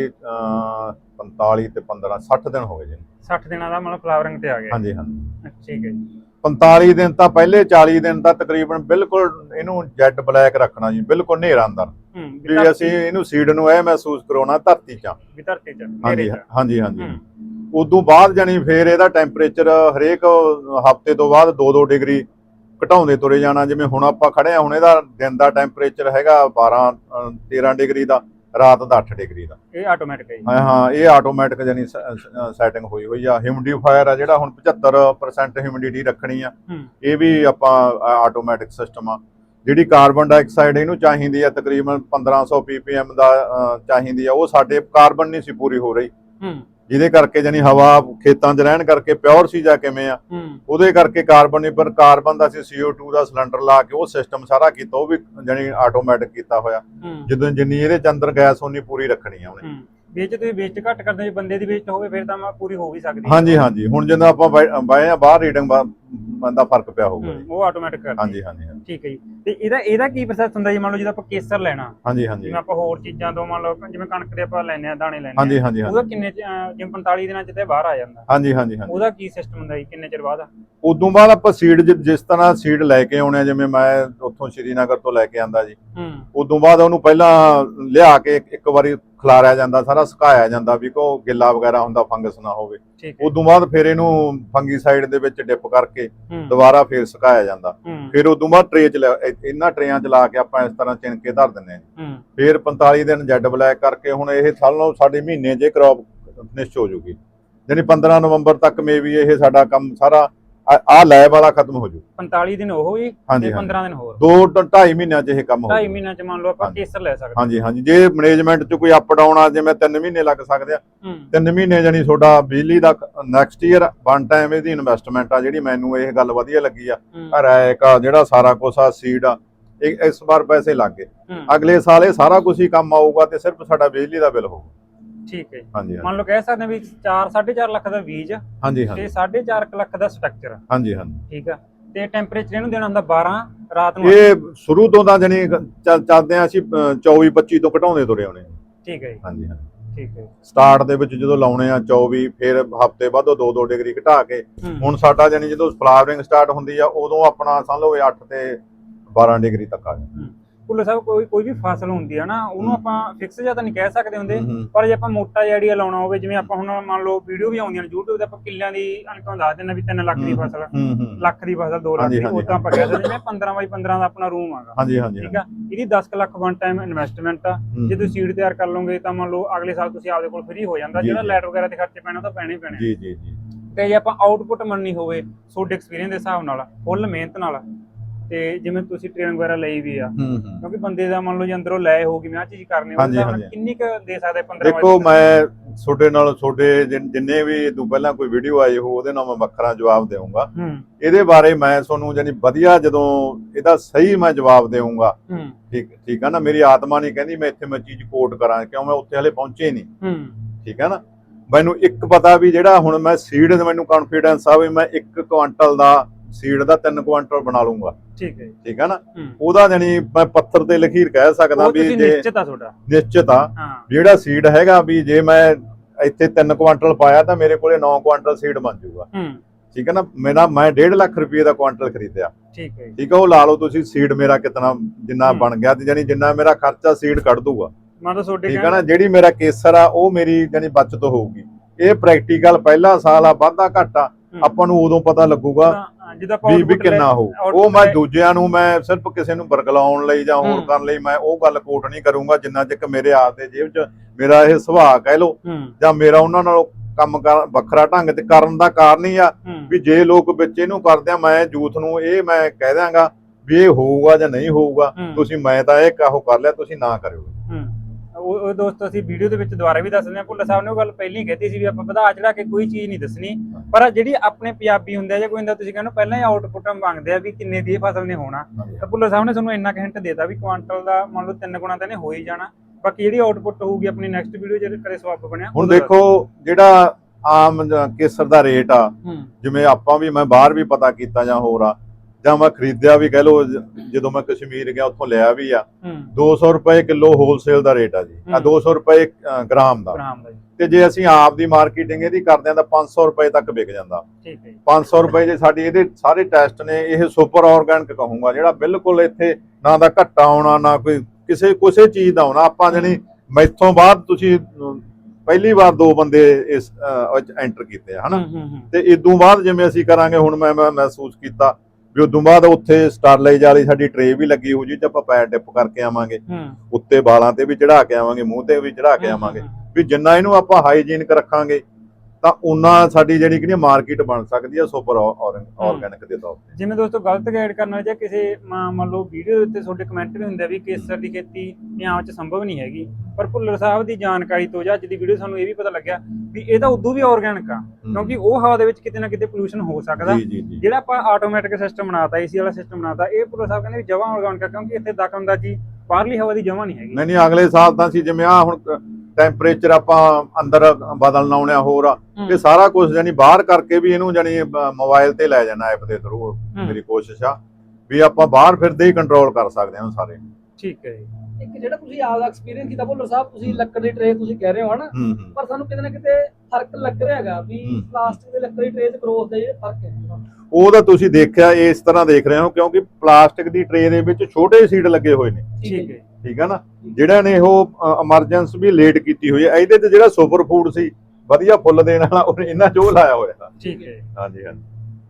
B: 45 ਤੇ 15 60 ਦਿਨ ਹੋ ਗਏ ਜੀ।
A: 60 ਦਿਨਾਂ ਦਾ ਮਤਲਬ ਫਲਾਵਰਿੰਗ ਤੇ ਆ ਗਿਆ।
B: ਹਾਂਜੀ ਹਾਂਜੀ
A: ਠੀਕ ਹੈ ਜੀ।
B: 45 ਦਿਨ ਤਾਂ ਪਹਿਲੇ 40 ਦਿਨ ਤਾਂ ਤਕਰੀਬਨ ਬਿਲਕੁਲ ਇਹਨੂੰ ਜੈਟ ਬਲੈਕ ਰੱਖਣਾ ਜੀ, ਬਿਲਕੁਲ ਹਨੇਰਾ ਅੰਦਰ ਵੀ ਅਸੀਂ ਇਹਨੂੰ ਸੀਡ ਨੂੰ ਇਹ ਮਹਿਸੂਸ ਕਰਾਉਣਾ ਧਰਤੀ 'ਚ
A: ਵੀ ਧਰਤੀ 'ਚ।
B: ਹਾਂਜੀ ਹਾਂਜੀ ਹਾਂਜੀ। ਉਦੋਂ ਬਾਅਦ ਜਾਨੀ ਫੇਰ ਇਹਦਾ ਟੈਂਪਰੇਚਰ ਹਰੇਕ ਹਫ਼ਤੇ ਤੋਂ ਬਾਅਦ 2-2 ਡਿਗਰੀ ਘਟਾਉਂਦੇ ਤੁਰੇ ਜਾਣਾ। ਜਿਵੇਂ ਹੁਣ ਆਪਾਂ ਖੜੇ ਆ, ਹੁਣ ਇਹਦਾ ਦਿਨ ਦਾ ਟੈਂਪਰੇਚਰ ਹੈਗਾ 12-13 ਡਿਗਰੀ ਦਾ, ਰਾਤ ਦਾ 8 ਡਿਗਰੀ ਦਾ।
A: ਇਹ ਆਟੋਮੈਟਿਕ ਹੈ ਜੀ?
B: ਹਾਂ ਇਹ ਆਟੋਮੈਟਿਕ ਜਾਨੀ ਸੈਟਿੰਗ ਹੋਈ ਆ। ਹਿਊਮਿਡੀਫਾਇਰ ਆ ਜਿਹੜਾ ਹੁਣ 75% ਹਿਊਮਿਡਿਟੀ ਰੱਖਣੀ ਆ, ਇਹ ਵੀ ਆਪਾਂ ਆਟੋਮੈਟਿਕ ਸਿਸਟਮ ਆ। ਜਿਹੜੀ ਕਾਰਬਨ ਡਾਈਆਕਸਾਈਡ ਇਹਨੂੰ ਚਾਹੀਦੀ ਆ ਤਕਰੀਬਨ 1500 ppm ਦਾ ਚਾਹੀਦੀ ਆ, ਉਹ ਸਾਡੇ ਕਾਰਬਨ ਨਹੀਂ ਸੀ ਪੂਰੀ ਹੋ ਰਹੀ, ਜਿਹਦੇ ਕਰਕੇ ਜਾਨੀ ਹਵਾ ਖੇਤਾਂ 'ਚ ਰਹਿਣ ਕਰਕੇ ਪਿਓਰ ਸੀ ਜਾਂ ਕਿਵੇਂ ਆ, ਉਹਦੇ ਕਰਕੇ ਕਾਰਬਨ ਨਹੀਂ, ਪਰ ਕਾਰਬਨ ਦਾ ਅਸੀਂ CO2 ਦਾ ਸਿਲੰਡਰ ਲਾ ਕੇ ਉਹ ਸਿਸਟਮ ਸਾਰਾ ਕੀਤਾ, ਉਹ ਵੀ ਜਾਨੀ ਆਟੋਮੈਟਿਕ ਕੀਤਾ ਹੋਇਆ। ਜਦੋਂ ਜਿੰਨੀ ਇਹਦੇ ਚ ਅੰਦਰ ਗੈਸ ਉਨੀ ਪੂਰੀ ਰੱਖਣੀ ਆ ਉਹਨੇ।
A: ਵੇਚ ਤੁਸੀਂ ਵੇਸਟ ਘੱਟ ਕਰਦੇ, ਜੇ ਬੰਦੇ ਦੀ ਵੇਸਟ ਹੋਵੇ ਫਿਰ ਤਾਂ ਪੂਰੀ ਹੋ ਵੀ ਸਕਦੀ ਹੈ।
B: ਹਾਂਜੀ ਹਾਂਜੀ, ਹੁਣ ਜਦੋਂ ਆਪਾਂ ਬਾਏ ਆ ਬਾਹਰ ਰੀਡਿੰਗ ਦਾ ਫਰਕ ਪਿਆ ਹੋਊਗਾ,
A: ਉਹ ਆਟੋਮੈਟਿਕ ਕਰਦੀ।
B: ਹਾਂਜੀ ਹਾਂਜੀ।
A: ਠੀਕ ਹੈ ਜੀ। ਤੇ ਇਹਦਾ ਕੀ ਪ੍ਰੋਸੈਸ ਹੁੰਦਾ ਜੀ? ਮੰਨ ਲਓ ਜਦੋਂ ਆਪਾਂ ਕੇਸਰ ਲੈਣਾ,
B: ਹਾਂਜੀ ਹਾਂਜੀ,
A: ਜਿਵੇਂ ਆਪਾਂ ਹੋਰ ਚੀਜ਼ਾਂ ਤੋਂ ਮੰਨ ਲਓ ਜਿਵੇਂ ਕਣਕ ਦੇ ਆਪਾਂ ਲੈਨੇ ਆ ਦਾਣੇ ਲੈਨੇ ਆ,
B: ਹਾਂਜੀ ਹਾਂਜੀ,
A: ਉਹਦਾ ਕਿੰਨੇ ਜਿਵੇਂ 45 ਦਿਨਾਂ ਚ ਤੇ ਬਾਹਰ ਆ ਜਾਂਦਾ?
B: ਹਾਂਜੀ ਹਾਂਜੀ ਹਾਂਜੀ।
A: ਉਹਦਾ ਕੀ ਸਿਸਟਮ ਹੁੰਦਾ ਜੀ, ਕਿੰਨੇ ਚਿਰ ਬਾਅਦ?
B: ਉਦੋਂ ਬਾਅਦ ਆਪਾਂ ਸੀਡ ਜਿਸ ਤਰ੍ਹਾਂ ਸੀਡ ਲੈ ਕੇ ਆਉਣੇ, ਜਿਵੇਂ ਮੈਂ ਉੱਥੋਂ ਸ਼੍ਰੀਨਗਰ ਤੋਂ ਲੈ ਕੇ ਆਂਦਾ ਜੀ, ਉਦੋਂ ਬਾਅਦ ਉਹਨੂੰ ਪਹਿਲਾਂ ਲਿਆ ਕੇ ਇੱਕ ਵਾਰੀ ਖਿਲਾਰਿਆ ਜਾਂਦਾ, ਸਾਰਾ ਸੁਕਾਇਆ ਜਾਂਦਾ ਵੀ ਕੋ ਗਿੱਲਾ ਵਗੈਰਾ ਹੁੰਦਾ, ਫੰਗਸ ਨਾ ਹੋਵੇ। ਉਦੋਂ ਬਾਅਦ ਫਿਰ ਇਹਨੂੰ ਫੰਗੀਸਾਈਡ ਦੇ ਵਿੱਚ ਡਿਪ ਕਰਕੇ ਦੁਬਾਰਾ ਫਿਰ ਸੁਕਾਇਆ ਜਾਂਦਾ। ਫਿਰ ਉਦੋਂ ਬਾਅਦ ਟਰੇ ਚ ਇਹਨਾਂ ਟਰੇਆਂ ਚ ਲਾ ਕੇ ਆਪਾਂ ਇਸ ਤਰ੍ਹਾਂ ਚਿਣਕੇ ਧਰ ਦਿੰਦੇ ਹਾਂ। ਫਿਰ 45 ਦਿਨ ਜੈਡ ਬਲੈਕ ਕਰਕੇ ਹੁਣ ਇਹ ਸਾਲੋਂ ਸਾਡੇ ਮਹੀਨੇ 'ਚ ਕ੍ਰੌਪ ਫਿਨਿਸ਼ ਹੋ ਜੂਗੀ, ਯਾਨੀ 15 ਨਵੰਬਰ ਤੱਕ ਮੇ ਵੀ ਇਹ ਸਾਡਾ ਕੰਮ ਸਾਰਾ ਆ ਲੈਬ ਵਾਲਾ ਖਤਮ ਹੋ ਜੂ।
A: 45 ਦਿਨ ਉਹ ਹੀ ਤੇ 15 ਦਿਨ ਹੋਰ,
B: 2-2.5 ਮਹੀਨਿਆਂ 'ਚ ਇਹ ਕੰਮ ਹੋ ਜੂ।
A: 2.5 ਮਹੀਨਿਆਂ 'ਚ ਮੰਨ ਲਓ ਆਪਾਂ ਕੇਸਰ ਲੈ ਸਕਦੇ।
B: ਹਾਂਜੀ ਹਾਂਜੀ, ਜੇ ਮੈਨੇਜਮੈਂਟ 'ਚ ਕੋਈ ਅਪ ਡਾਊਨ ਆ, ਜਿਵੇਂ 3 ਮਹੀਨੇ ਲੱਗ ਸਕਦੇ ਆ, 3 ਮਹੀਨੇ ਜਾਨੀ ਤੁਹਾਡਾ ਬਿਜਲੀ ਦਾ ਨੈਕਸਟ ਈਅਰ ਵਨ ਟਾਈਮ ਇਹਦੀ ਇਨਵੈਸਟਮੈਂਟ ਆ, ਜਿਹੜੀ ਮੈਨੂੰ ਇਹ ਗੱਲ ਵਧੀਆ ਲੱਗੀ ਆ। ਰੈਕ ਆ ਜਿਹੜਾ ਸਾਰਾ ਕੁਛ ਆ, ਸੀਡ ਆ, ਇਸ ਵਾਰ ਪੈਸੇ ਲੱਗ ਗਏ, ਅਗਲੇ ਸਾਲ ਇਹ ਸਾਰਾ ਕੁਝ ਹੀ ਕੰਮ ਆਊਗਾ ਤੇ ਸਿਰਫ ਸਾਡਾ ਬਿਜਲੀ ਦਾ ਬਿੱਲ ਹੋਊਗਾ।
A: ਠੀਕ ਹੈ ਜੀ।
B: ਹਾਂਜੀ,
A: ਮੰਨ ਲਓ ਕਹਿ ਸਕਦੇ ਵੀ 4-4.5 ਲੱਖ ਦਾ ਬੀਜ,
B: ਹਾਂਜੀ
A: ਤੇ 4.5 ਲੱਖ ਦਾ ਸਟਰਕਚਰ।
B: ਹਾਂਜੀ ਹਾਂਜੀ,
A: ਠੀਕ ਆ। ਤੇ ਟੈਂਪਰੇਚਰ ਇਹਨੂੰ ਦੇਣਾ ਹੁੰਦਾ 12, ਰਾਤ ਨੂੰ
B: ਇਹ ਸ਼ੁਰੂ ਤੋਂ ਤਾਂ ਜਾਨੀ ਚੱਲਦੇ ਆ ਅਸੀਂ 24-25 ਤੋਂ ਘਟਾਉਂਦੇ ਤੁਰੇ ਆਉਣੇ।
A: ਠੀਕ ਹੈ ਜੀ।
B: ਹਾਂਜੀ ਹਾਂਜੀ,
A: ਠੀਕ ਹੈ।
B: ਸਟਾਰਟ ਦੇ ਵਿੱਚ ਜਦੋਂ ਲਾਉਣੇ ਆ 24, ਫਿਰ ਹਫ਼ਤੇ ਬਾਅਦ 2-2 ਡਿਗਰੀ ਘਟਾ ਕੇ ਹੁਣ ਸਾਡਾ ਜਾਨੀ ਜਦੋਂ ਫਲਾਵਰਿੰਗ ਸਟਾਰਟ ਹੁੰਦੀ ਆ ਉਦੋਂ ਆਪਣਾ ਸਮਝ ਲਓ 8 ਤੇ 12 ਡਿਗਰੀ ਤੱਕ ਆ ਜਾਂਦਾ।
A: ਭੁੱਲਰ ਸਾਹਿਬ ਕੋਈ ਵੀ ਫਸਲ ਹੁੰਦੀ ਆ ਨਾ, ਉਹਨੂੰ ਆਪਾਂ ਫਿਕਸ ਜਾਂ ਤਾਂ ਨਹੀਂ ਕਹਿ ਸਕਦੇ ਹੁੰਦੇ, ਪਰ ਜੇ ਆਪਾਂ ਮੋਟਾ ਜਿਹਾ ਆਈਡੀਆ ਲਾਉਣਾ ਹੋਵੇ, ਜਿਵੇਂ ਆਪਾਂ ਹੁਣ ਮੰਨ ਲਓ ਵੀਡੀਓ ਵੀ ਆਉਂਦੀਆਂ ਨੇ YouTube ਤੇ, ਆਪਾਂ ਕਿੱਲਿਆਂ ਦੀ ਅਨਕਮ ਦੱਸ ਦਿੰਦੇ ਵੀ 3 ਲੱਖ ਦੀ ਫਸਲ, ਲੱਖ ਦੀ ਫਸਲ 2 ਲੱਖ ਦੀ, ਉਹ ਤਾਂ ਆਪਾਂ ਕਹਿ ਸਕਦੇ ਜਿਵੇਂ 15x15 ਦਾ ਆਪਣਾ ਰੂਮ ਆਗਾ। ਹਾਂਜੀ ਹਾਂਜੀ, ਠੀਕ ਆ। ਇਹਦੀ 10 ਲੱਖ ਵਨ ਟਾਈਮ ਇਨਵੈਸਟਮੈਂਟ ਆ। ਜੇ ਤੁਸੀਂ ਸੀਡ ਤਿਆਰ ਕਰ ਲਓਗੇ ਤਾਂ ਮੰਨ ਲਓ ਅਗਲੇ ਸਾਲ ਤੁਸੀਂ ਆਪਦੇ ਕੋਲ ਫ੍ਰੀ ਹੋ ਜਾਂਦਾ, ਜਿਹੜਾ ਲਾਈਟ ਵਗੈਰਾ ਤੇ ਖਰਚੇ ਪੈਣਾ ਤਾਂ ਪੈਣੇ ਹੀ ਪੈਣੇ। ਜੀ ਜੀ ਜੀ। ਤੇ ਜੇ ਆਪਾਂ ਆਊਟਪੁੱਟ ਮੰਨਣੀ ਹੋਵੇ ਤੁਹਾਡੇ ਐਕਸਪੀਰੀਅੰਸ ਦੇ ਹਿਸਾਬ ਨਾਲ, ਫੁੱਲ ਮਿਹਨਤ ਨਾਲ, ਤੇ ਜਿਵੇਂ ਤੁਸੀਂ ਟ੍ਰੇਨਿੰਗ ਵਗੈਰਾ ਲਈ ਵੀ ਆ, ਕਿਉਂਕਿ ਬੰਦੇ ਦਾ ਮੰਨ ਲਓ ਜੇ ਅੰਦਰੋਂ ਲੈ ਹੋਊਗੀ ਮੈਂ ਆ ਚੀਜ਼ ਕਰਨੀ ਹੋਵੇ, ਕਿੰਨੀ ਕੁ ਦੇ ਸਕਦੇ? 15?
B: ਦੇਖੋ ਮੈਂ ਤੁਹਾਡੇ ਜਿੰਨੇ ਵੀ ਤੋਂ ਪਹਿਲਾਂ ਕੋਈ ਵੀਡੀਓ ਆਈ ਹੋ ਉਹਦੇ ਨਾਲ ਮੈਂ ਵੱਖਰਾ ਜਵਾਬ ਦੇਵਾਂਗਾ। ਇਹਦੇ ਬਾਰੇ ਮੈਂ ਤੁਹਾਨੂੰ ਜਾਨੀ ਵਧੀਆ ਜਦੋਂ ਇਹਦਾ ਸਹੀ ਮੈਂ ਜਵਾਬ ਦੇਵਾਂਗਾ, ਠੀਕ ਆ ਨਾ। ਮੇਰੀ ਆਤਮਾ ਨਹੀਂ ਕਹਿੰਦੀ ਮੈਂ ਇੱਥੇ ਮੈਂ ਚੀਜ਼ ਕੋਟ ਕਰਾਂ, ਕਿਉਂ ਮੈਂ ਉੱਥੇ ਹਲੇ ਪਹੁੰਚੇ ਨਹੀਂ। ਠੀਕ ਆ ਨਾ। ਮੈਨੂੰ ਇੱਕ ਪਤਾ ਵੀ ਜਿਹੜਾ ਹੁਣ ਮੈਂ ਸੀਡ, ਮੈਨੂੰ ਕੌਨਫੀਡੈਂਸ ਆ ਵੀ ਮੈਂ 1 ਕੁਆਂਟਲ ਦਾ ਸੀਡ ਦਾ 3 ਕੁਆਂਟਲ ਬਣਾ ਲੂੰਗਾ। ਠੀਕ ਹੈ, ਠੀਕ ਹੈ ਨਾ। ਉਹਦਾ ਜਾਨੀ ਮੈਂ ਪੱਥਰ ਤੇ ਲਖੀਰ ਕਹਿ ਸਕਦਾ ਵੀ ਜੇ ਨਿਸ਼ਚਿਤ ਆ ਜਿਹੜਾ ਸੀਡ ਹੈਗਾ ਵੀ ਜੇ ਮੈਂ ਇੱਥੇ 3 ਕੁਆਂਟਲ ਪਾਇਆ ਤਾਂ ਮੇਰੇ ਕੋਲੇ 9 ਕੁਆਂਟਲ ਸੀਡ ਬਣ ਜਾਊਗਾ। ਠੀਕ ਹੈ ਨਾ। ਮੈਂ 1.5 ਲੱਖ ਰੁਪਏ ਦਾ ਕੁਆਂਟਲ ਖਰੀਦਿਆ। ਠੀਕ ਹੈ, ਠੀਕ ਹੈ। ਉਹ ਲਾ ਲਓ ਤੁਸੀਂ ਸੀਡ ਮੇਰਾ ਕਿਤਨਾ ਜਿੰਨਾ ਬਣ ਗਿਆ, ਤੇ ਜਾਨੀ ਜਿੰਨਾ ਮੇਰਾ ਖਰਚਾ ਸੀਡ ਕੱਢ ਦੂਗਾ। ਠੀਕ ਹੈ ਨਾ। ਜਿਹੜੀ ਮੇਰਾ ਕੇਸਰ ਆ ਉਹ ਮੇਰੀ ਜਾਨੀ ਬਚਤ ਹੋਊਗੀ। ਇਹ ਪ੍ਰੈਕਟੀਕਲ ਪਹਿਲਾ ਸਾਲ ਆ, ਵਾਧਾ ਘਾਟਾ ਆਪਾਂ ਨੂੰ ਉਦੋਂ ਪਤਾ ਲੱਗੂਗਾ ਵੀ ਕਿੰਨਾ ਹੋਊ। ਉਹ ਮੈਂ ਦੂਜਿਆਂ ਨੂੰ ਮੈਂ ਸਿਰਫ ਕਿਸੇ ਨੂੰ ਬਰਗਲਾਉਣ ਲਈ ਜਾਂ ਹੋਰ ਕਰਨ ਲਈ ਮੈਂ ਉਹ ਗੱਲ ਕੋਟ ਨਹੀਂ ਕਰੂੰਗਾ, ਜਿੰਨਾ ਚਿਰ ਮੇਰੇ ਆਪ ਦੇ ਜੇਬ 'ਚ ਮੇਰਾ ਇਹ ਸੁਭਾਅ ਕਹਿ ਲਓ ਜਾਂ ਮੇਰਾ ਉਹਨਾਂ ਨਾਲੋਂ ਕੰਮ ਵੱਖਰਾ ਢੰਗ ਤੇ ਕਰਨ ਦਾ ਕਾਰਨ ਹੀ ਆ ਵੀ ਜੇ ਲੋਕ ਵਿੱਚ ਇਹਨੂੰ ਕਰਦੇ ਆ, ਮੈਂ ਯੂਥ ਨੂੰ ਇਹ ਮੈਂ ਕਹਿ ਦਿਆਂਗਾ ਵੀ ਇਹ ਹੋਊਗਾ ਜਾਂ ਨਹੀਂ ਹੋਊਗਾ, ਤੁਸੀਂ ਮੈਂ ਤਾਂ ਇਹ ਕਾਹੋ ਕਰ ਲਿਆ, ਤੁਸੀਂ ਨਾ ਕਰਿਓ।
A: ਉਹ ਦੋਸਤੋ ਅਸੀਂ ਵੀਡੀਓ ਦੇ ਵਿੱਚ ਦੁਬਾਰਾ ਵੀ ਦੱਸਦੇ ਹਾਂ, ਭੁੱਲਰ ਸਾਹਿਬ ਨੇ ਉਹ ਗੱਲ ਪਹਿਲਾਂ ਹੀ ਕਹਿਤੀ ਸੀ ਵੀ ਆਪਾਂ ਵਧਾ ਚੜਾ ਕੇ ਕੋਈ ਚੀਜ਼ ਨਹੀਂ ਦੱਸਣੀ, ਪਰ ਜਿਹੜੀ ਆਪਣੇ ਪੰਜਾਬੀ ਹੁੰਦੇ ਆ ਜਾਂ ਕੋਈ ਹੁੰਦਾ ਤੁਸੀਂ ਕਹਿੰਦੇ ਪਹਿਲਾਂ ਹੀ ਆਊਟਪੁੱਟ ਮੰਗਦੇ ਆ ਵੀ ਕਿੰਨੇ ਦੀ ਇਹ ਫਸਲ ਨੇ ਹੋਣਾ, ਤਾਂ ਭੁੱਲਰ ਸਾਹਿਬ ਨੇ ਤੁਹਾਨੂੰ ਇੰਨਾ ਹਿੰਟ ਦੇਤਾ ਵੀ ਕੁਆਂਟਲ ਦਾ ਮੰਨ ਲਓ 3 ਗੁਣਾ ਤਾਂ ਇਹਨੇ ਹੋ ਹੀ ਜਾਣਾ। ਬਾਕੀ ਜਿਹੜੀ ਆਊਟਪੁੱਟ ਹੋਊਗੀ ਆਪਣੀ ਨੈਕਸਟ ਵੀਡੀਓ ਜਿਹੜੇ ਕਦੇ ਸਵਾਪ ਬਣਿਆ
B: ਹੁਣ ਦੇਖੋ ਜਿਹੜਾ ਆਮ ਕੇਸਰ ਦਾ ਰੇਟ ਆ, ਜਿਵੇਂ ਆਪਾਂ ਵੀ ਮੈਂ ਬਾਹਰ ਵੀ ਪਤਾ ਕੀਤਾ ਜਾਂ ਹੋਰ ਆ ਜਾਂ ਮੈਂ ਖਰੀਦਿਆ ਵੀ ਕਹਿ ਲਓ, ਜਦੋਂ ਮੈਂ ਕਸ਼ਮੀਰ ਗਿਆ ਉੱਥੋਂ ਲਿਆ ਵੀ ਆ, 200 ਰੁਪਏ ਕਿਲੋ ਹੋਲਸੇਲ ਦਾ ਰੇਟ ਆ ਜੀ, 200 ਰੁਪਏ ਗ੍ਰਾਮ ਦਾ। ਤੇ ਜੇ ਅਸੀਂ ਆਪ ਦੀ ਮਾਰਕੀਟਿੰਗ ਇਹਦੀ ਕਰਦੇ ਆ ਤਾਂ 500 ਰੁਪਏ ਤੱਕ ਵਿਕ ਜਾਂਦਾ। 500 ਰੁਪਏ ਜੇ ਸਾਡੀ ਇਹਦੇ ਸਾਰੇ ਟੈਸਟ ਨੇ, ਇਹ ਸੁਪਰ ਆਰਗੈਨਿਕ ਕਹੂੰਗਾ, ਜਿਹੜਾ ਬਿਲਕੁਲ ਇੱਥੇ ਨਾ ਦਾ ਘੱਟਾ ਆਉਣਾ ਨਾ ਕੋਈ ਕਿਸੇ ਚੀਜ਼ ਦਾ ਆਉਣਾ। ਆਪਾਂ ਜਣੀ ਮੈਥੋਂ ਬਾਅਦ ਤੁਸੀਂ ਪਹਿਲੀ ਵਾਰ 2 ਬੰਦੇ ਇਸ ਵਿੱਚ ਐਂਟਰ ਕੀਤੇ ਆ ਹਨਾ, ਤੇ ਇਦੋਂ ਬਾਅਦ ਜਿਵੇਂ ਅਸੀਂ ਕਰਾਂਗੇ ਹੁਣ ਮੈਂ ਮਹਿਸੂਸ ਕੀਤਾ ਵੀ ਉਦੋਂ ਬਾਅਦ ਉੱਥੇ ਸਟਰਲਾਈਜ਼ ਵਾਲੀ ਸਾਡੀ ਟਰੇ ਵੀ ਲੱਗੀ ਹੋ ਜੀ, ਤੇ ਆਪਾਂ ਪੈਰ ਡਿਪ ਕਰਕੇ ਆਵਾਂਗੇ, ਉੱਤੇ ਵਾਲਾਂ ਤੇ ਵੀ ਚੜਾ ਕੇ ਆਵਾਂਗੇ, ਮੂੰਹ ਤੇ ਵੀ ਚੜਾ ਕੇ ਆਵਾਂਗੇ, ਵੀ ਜਿੰਨਾ ਇਹਨੂੰ ਆਪਾਂ ਹਾਈਜੀਨਿਕ ਰੱਖਾਂਗੇ ਤਾਂ ਉਹਨਾਂ ਸਾਡੀ ਜਿਹੜੀ ਕਿ ਮਾਰਕੀਟ ਬਣ ਸਕਦੀ ਹੈ ਸੁਪਰ ਆਰਗੈਨਿਕ ਦੇ ਤੌਰ ਤੇ।
A: ਜਿਵੇਂ ਦੋਸਤੋ ਗਲਤ ਗਾਈਡ ਕਰਨਾ ਜਾਂ ਕਿਸੇ ਮੰਨ ਲਓ ਵੀਡੀਓ ਦੇ ਉੱਤੇ ਤੁਹਾਡੇ ਕਮੈਂਟ ਵੀ ਹੁੰਦੇ ਆ ਵੀ ਕੇਸਰ ਦੀ ਖੇਤੀ ਪੰਜਾਬ 'ਚ ਸੰਭਵ ਨਹੀਂ ਹੈਗੀ, ਪਰ ਭੁੱਲਰ ਸਾਹਿਬ ਦੀ ਜਾਣਕਾਰੀ ਤੋਂ ਜਾਂ ਅੱਜ ਦੀ ਵੀਡੀਓ ਸਾਨੂੰ ਇਹ ਵੀ ਪਤਾ ਲੱਗਿਆ ਵੀ ਇਹ ਤਾਂ ਉਦੋਂ ਵੀ ਆਰਗੈਨਿਕ ਆ, ਕਿਉਂਕਿ ਉਹ ਹਵਾ ਦੇ ਵਿੱਚ ਕਿਤੇ ਨਾ ਕਿਤੇ ਪੋਲੂਸ਼ਨ ਹੋ ਸਕਦਾ। ਜਿਹੜਾ ਆਪਾਂ ਆਟੋਮੈਟਿਕ ਸਿਸਟਮ ਬਣਾਤਾ, ਏਸੀ ਵਾਲਾ ਸਿਸਟਮ ਬਣਾਤਾ, ਇਹ ਭੁੱਲਰ ਸਾਹਿਬ ਕਹਿੰਦੇ ਵੀ ਜਮਾਂ ਆਰਗੈਨਿਕ ਆ, ਕਿਉਂਕਿ ਇੱਥੇ ਦਖਲਅੰਦਾਜ਼ੀ ਬਾਹਰਲੀ ਹਵਾ ਦੀ ਜਮਾਂ ਨਹੀਂ ਹੈਗੀ।
B: ਨਹੀਂ ਅਗਲੇ ਸਾਲ ਤਾਂ ਅਸੀਂ ਜਿਵੇਂ ਆ ਹੁਣ ਟੈਂਪਰੇਚਰ ਆਪਾਂ ਅੰਦਰ ਬਦਲਣਾ ਆਉਣਾ ਹੋਰ ਆ, ਇਹ ਸਾਰਾ ਕੁਝ ਜਾਨੀ ਬਾਹਰ ਕਰਕੇ ਵੀ ਇਹਨੂੰ ਜਾਨੀ ਮੋਬਾਈਲ ਤੇ ਲੈ ਜਾਣਾ ਐਪ ਦੇ ਥਰੂ। ਮੇਰੀ ਕੋਸ਼ਿਸ਼ ਆ ਵੀ ਆਪਾਂ ਬਾਹਰ ਫਿਰਦੇ ਹੀ ਕੰਟਰੋਲ ਕਰ ਸਕਦੇ ਹਾਂ ਸਾਰੇ।
A: ਠੀਕ ਹੈ ਜੀ।
C: ਇੱਕ ਜਿਹੜਾ ਤੁਸੀਂ ਆਪਦਾ ਐਕਸਪੀਰੀਅੰਸ ਕੀਤਾ ਭੁੱਲਰ ਸਾਹਿਬ, ਤੁਸੀਂ ਲੱਕੜ ਦੀ ਟਰੇ ਤੁਸੀਂ ਕਹਿ ਰਹੇ ਹੋ ਹਨਾ, ਪਰ ਸਾਨੂੰ ਕਿਤੇ ਨਾ ਕਿਤੇ ਫਰਕ ਲੱਗ ਰਿਹਾ ਹੈਗਾ ਵੀ ਪਲਾਸਟਿਕ ਦੇ ਲੱਕੜ ਦੀ ਟਰੇ ਤੇ ਗਰੋਥ ਦਾ ਜਿਹੜਾ ਫਰਕ ਹੈ
B: ਉਹ ਤਾਂ ਤੁਸੀਂ ਦੇਖਿਆ ਇਸ ਤਰ੍ਹਾਂ ਦੇਖ ਰਹੇ ਹੋ, ਕਿਉਂਕਿ ਪਲਾਸਟਿਕ ਦੀ ਟਰੇ ਦੇ ਵਿੱਚ ਛੋਟੇ ਸੀਡ ਲੱਗੇ ਹੋਏ ਨੇ।
A: ਠੀਕ ਹੈ,
B: ਠੀਕ ਹੈ ਨਾ, ਜਿਹੜਾ ਨੇ ਉਹ ਐਮਰਜੈਂਸੀ ਵੀ ਲੇਟ ਕੀਤੀ ਹੋਈ ਹੈ। ਇਹਦੇ ਤੇ ਜਿਹੜਾ ਸੁਪਰ ਫੂਡ ਸੀ ਵਧੀਆ ਫੁੱਲ ਦੇਣ ਵਾਲਾ, ਉਹ ਇਹਨਾਂ ਚੋ ਲਾਇਆ ਹੋਇਆ।
A: ਠੀਕ ਹੈ,
B: ਹਾਂਜੀ ਹਾਂਜੀ।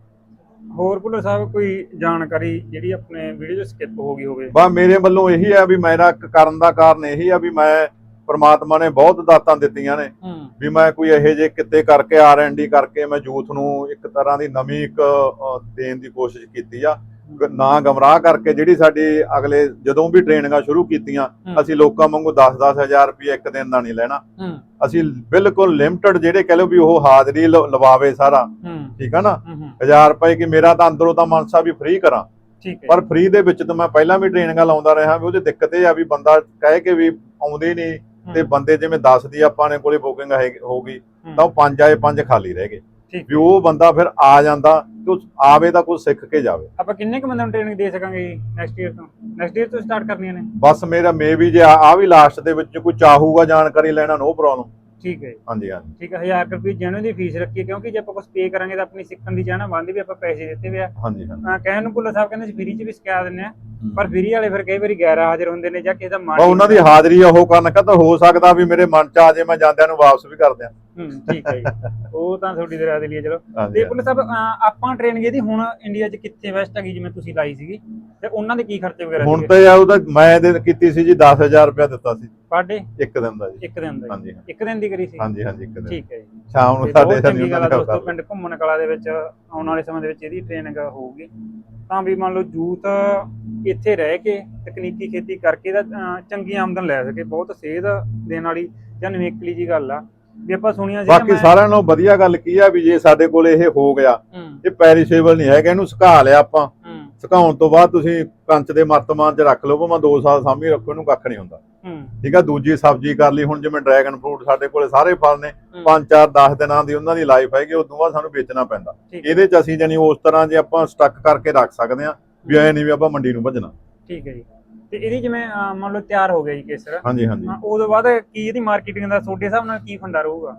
A: ਹੋਰ ਭੁੱਲਰ ਸਾਹਿਬ ਕੋਈ ਜਾਣਕਾਰੀ ਜਿਹੜੀ ਆਪਣੇ ਵੀਡੀਓ 'ਚ ਸਕਿਪ ਹੋ ਗਈ ਹੋਵੇ?
B: ਬਸ ਮੇਰੇ ਵੱਲੋਂ ਇਹੀ ਹੈ ਵੀ ਮੇਰਾ ਕਰਨ ਦਾ ਕਾਰਨ ਇਹੀ ਆ ਵੀ ਮੈਂ ਪਰਮਾਤਮਾ ਨੇ ਬਹੁਤ ਦਾਤਾਂ ਦਿੱਤੀਆਂ ਨੇ, ਵੀ ਮੈਂ ਕੋਈ ਇਹੋ ਜਿਹੇ ਕਿਤੇ ਕਰਕੇ R&D ਕਰਕੇ ਮੈਂ ਯੂਥ ਨੂੰ ਇੱਕ ਤਰ੍ਹਾਂ ਦੀ ਨਵੀਂ ਇੱਕ ਦੇਣ ਦੀ ਕੋਸ਼ਿਸ਼ ਕੀਤੀ ਆ, ਨਾ ਗਮਰਾਹ ਕਰਕੇ। ਜਿਹੜੀ ਸਾਡੀ ਅਗਲੇ ਜਦੋਂ ਵੀ ਟ੍ਰੇਨਿੰਗਾਂ ਸ਼ੁਰੂ ਕੀਤੀਆਂ, ਅਸੀਂ ਲੋਕਾਂ ਵਾਂਗੂ 10-10 ਹਜ਼ਾਰ ਰੁਪਏ ਇੱਕ ਦਿਨ ਦਾ ਨਹੀਂ ਲੈਣਾ। ਅਸੀਂ ਬਿਲਕੁਲ ਲਿਮਟਿਡ, ਜਿਹੜੇ ਕਹ ਲਓ ਵੀ ਉਹ ਹਾਜ਼ਰੀ ਲਵਾਵੇ ਸਾਰਾ, ਠੀਕ ਆ ਨਾ, 1000 ਰੁਪਏ ਕਿ ਮੇਰਾ ਤਾਂ ਅੰਦਰੋਂ ਤਾਂ ਮਨਸਾ ਵੀ ਫ੍ਰੀ ਕਰਾਂ, ਪਰ ਫ੍ਰੀ ਦੇ ਵਿੱਚ ਤਾਂ ਮੈਂ ਪਹਿਲਾਂ ਵੀ ਟ੍ਰੇਨਿੰਗਾਂ ਲਾਉਂਦਾ ਰਿਹਾ। ਵੀ ਉਹਦੀ ਦਿੱਕਤ ਇਹ ਆ ਵੀ ਬੰਦਾ ਕਹਿ ਕੇ ਵੀ ਆਉਂਦੇ ਨਹੀਂ, ਤੇ ਬੰਦੇ ਜਿਵੇਂ 10 ਦੀ ਆਪਾਂ ਨੇ ਕੋਲੇ ਬੁਕਿੰਗ ਹੋ ਗਈ ਤਾਂ ਉਹ 5 ਆਏ 5 ਖਾਲੀ ਰਹਿ ਗਏ, ਵੀ ਉਹ ਬੰਦਾ ਫਿਰ ਆ ਜਾਂਦਾ ਤੇ ਆਵੇ ਤਾਂ ਕੁਝ ਸਿੱਖ ਕੇ ਜਾਵੇ।
A: ਆਪਾਂ ਕਿੰਨੇ ਕੁ ਬੰਦਿਆਂ ਨੂੰ ਟ੍ਰੇਨਿੰਗ ਦੇ ਸਕਾਂਗੇ ਨੈਕਸਟ ਈਅਰ ਤੋਂ ਸਟਾਰਟ ਕਰਨੀਆਂ ਨੇ?
B: ਬਸ ਮੇਰਾ ਵੀ ਜੇ ਆ ਵੀ ਲਾਸਟ ਦੇ ਵਿੱਚ ਕੋਈ ਚਾਹੂਗਾ ਜਾਣਕਾਰੀ ਲੈਣਾ, ਨੋ ਪ੍ਰੋਬਲਮ।
A: ਠੀਕ ਹੈ,
B: ਹਾਂਜੀ ਹਾਂਜੀ,
A: ਠੀਕ ਹੈ। 1000 ਰੁਪਏ ਜੈਨੂਅਨ ਦੀ ਫੀਸ ਰੱਖੀ, ਕਿਉਂਕਿ ਜੇ ਆਪਾਂ ਕੁਝ ਪੇ ਕਰਾਂਗੇ ਤਾਂ ਆਪਣੀ ਸਿੱਖਣ ਦੀ ਚਾਹਨਾ ਬੰਦ ਵੀ ਆਪਾਂ ਪੈਸੇ ਦਿੱਤੇ ਵੇ ਆ।
B: ਹਾਂਜੀ ਹਾਂਜੀ।
A: ਕਹਿਣ ਨੂੰ ਭੁੱਲਰ ਸਾਹਿਬ ਕਹਿੰਦੇ ਸੀ ਫ੍ਰੀ 'ਚ ਵੀ ਸਿਖਾ ਦਿੰਦੇ ਆ, ਪਰ ਫ੍ਰੀ ਵਾਲੇ ਫਿਰ ਕਈ ਵਾਰੀ ਗੈਰ ਹਾਜ਼ਰ ਹੁੰਦੇ ਨੇ ਜਾਂ ਕਿਸੇ ਦਾ ਮਨ
B: ਉਹਨਾਂ ਦੀ ਹਾਜ਼ਰੀ ਉਹ ਕਰਨ ਤਾਂ ਹੋ ਸਕਦਾ ਵੀ ਮੇਰੇ ਮਨ 'ਚ ਆ ਜੇ, ਮੈਂ ਜਾਂਦਿਆਂ ਨੂੰ ਵਾਪਸ ਵੀ ਕਰ ਦਿਆਂ।
A: ਠੀਕ ਹੈ ਜੀ, ਉਹ ਤਾਂ ਤੁਹਾਡੀ ਦਰਿਆ ਦੇ ਲਈ ਚਲੋ। ਤੇ ਭੁੱਲਰ ਸਾਹਿਬ ਆਪਾਂ ਟ੍ਰੇਨਿੰਗ ਇਹਦੀ ਹੁਣ ਇੰਡੀਆ 'ਚ ਕਿੱਥੇ ਬੈਸਟ ਹੈਗੀ, ਜਿਵੇਂ ਤੁਸੀਂ ਲਾਈ ਸੀਗੀ, ਤੇ ਉਹਨਾਂ ਦੇ ਕੀ ਖਰਚੇ ਵਗੈਰਾ?
B: ਹੁਣ ਤਾਂ ਯਾਰ ਉਹਦਾ ਮੈਂ ਕੀਤੀ ਸੀ ਜੀ 10,000 ਰੁਪਇਆ ਦਿੱਤਾ ਸੀ
A: ਪਰ ਡੇ,
B: ਇੱਕ ਦਿਨ ਦਾ ਜੀ।
A: ਇੱਕ ਦਿਨ ਦਾ?
B: ਹਾਂਜੀ,
A: ਇੱਕ ਦਿਨ ਦੀ ਕਰੀ ਸੀ?
B: ਹਾਂਜੀ ਹਾਂਜੀ, ਇੱਕ ਦਿਨ।
A: ਠੀਕ ਹੈ ਜੀ,
B: ਸ਼ਾਮ ਨੂੰ ਸਾਡੇ
A: ਚੰਗੀ ਗੱਲ ਆ ਦੋਸਤੋ। ਪਿੰਡ ਘੁੰਮਣ ਕਲਾ ਦੇ ਵਿੱਚ ਆਉਣ ਵਾਲੇ ਸਮੇਂ ਦੇ ਵਿੱਚ ਇਹਦੀ ਟ੍ਰੇਨਿੰਗ ਹੋਊਗੀ, ਤਾਂ ਵੀ ਮੰਨ ਲਓ ਯੂਥ ਇੱਥੇ ਰਹਿ ਕੇ ਤਕਨੀਕੀ ਖੇਤੀ ਕਰਕੇ ਦਾ ਚੰਗੀ ਆਮਦਨ ਲੈ ਸਕੇ। ਬਹੁਤ ਸੇਧ ਦੇਣ ਵਾਲੀ ਜਾਂ ਨਿਵੇਕਲੀ ਜੀ ਗੱਲ ਆ ਵੀ ਆਪਾਂ ਸੁਣੀਆਂ ਸੀ।
B: ਬਾਕੀ ਸਾਰਿਆਂ ਨਾਲੋਂ ਵਧੀਆ ਗੱਲ ਕੀ ਆ ਵੀ ਜੇ ਸਾਡੇ ਕੋਲ ਇਹ ਹੋ ਗਿਆ, ਇਹ ਪੈਰੀਸ਼ੇਬਲ ਨਹੀਂ ਹੈਗਾ, ਇਹਨੂੰ ਸੁਕਾ ਲਿਆ ਆਪਾਂ, ਸੁਕਾਉਣ ਤੋਂ ਬਾਅਦ ਤੁਸੀਂ ਕੰਚ ਦੇ ਮਰਤਮਾਨ 'ਚ ਰੱਖ ਲਓ, ਭਾਵੇਂ 2 ਸਾਲ ਸਾਂਭੀ ਰੱਖੋ, ਇਹਨੂੰ ਕੱਖ ਨਹੀਂ ਹੁੰਦਾ। ਠੀਕ ਆ, ਦੂਜੀ ਸਬਜ਼ੀ ਕਰ ਲਈ। ਹੁਣ ਜਿਵੇਂ ਡਰੈਗਨ ਫਰੂਟ ਸਾਡੇ ਕੋਲੇ ਸਾਰੇ ਫਲ ਨੇ, 5-4-10 ਦਿਨਾਂ ਦੀ ਉਹਨਾਂ ਦੀ ਲਾਈਫ ਹੈਗੀ, ਉਦੋਂ ਬਾਅਦ ਸਾਨੂੰ ਵੇਚਣਾ ਪੈਂਦਾ। ਇਹਦੇ 'ਚ ਅਸੀਂ ਜਾਨੀ ਉਸ ਤਰ੍ਹਾਂ ਜੇ ਆਪਾਂ ਸਟੱਕ ਕਰਕੇ ਰੱਖ ਸਕਦੇ ਹਾਂ ਵੀ ਐ ਨਹੀਂ ਵੀ ਆਪਾਂ ਮੰਡੀ ਨੂੰ ਭੱਜਣਾ।
A: ਠੀਕ ਹੈ ਜੀ। ਤੇ ਇਹਦੀ ਜਿਵੇਂ ਮੰਨ ਲਓ ਤਿਆਰ ਹੋ ਗਿਆ ਜੀ ਕੇਸਰ,
B: ਹਾਂਜੀ ਹਾਂਜੀ,
A: ਉਦੋਂ ਬਾਅਦ ਕੀ ਇਹਦੀ ਮਾਰਕੀਟਿੰਗ ਦਾ ਤੁਹਾਡੇ ਹਿਸਾਬ ਨਾਲ ਕੀ ਫੰਡਾ ਰਹੂਗਾ?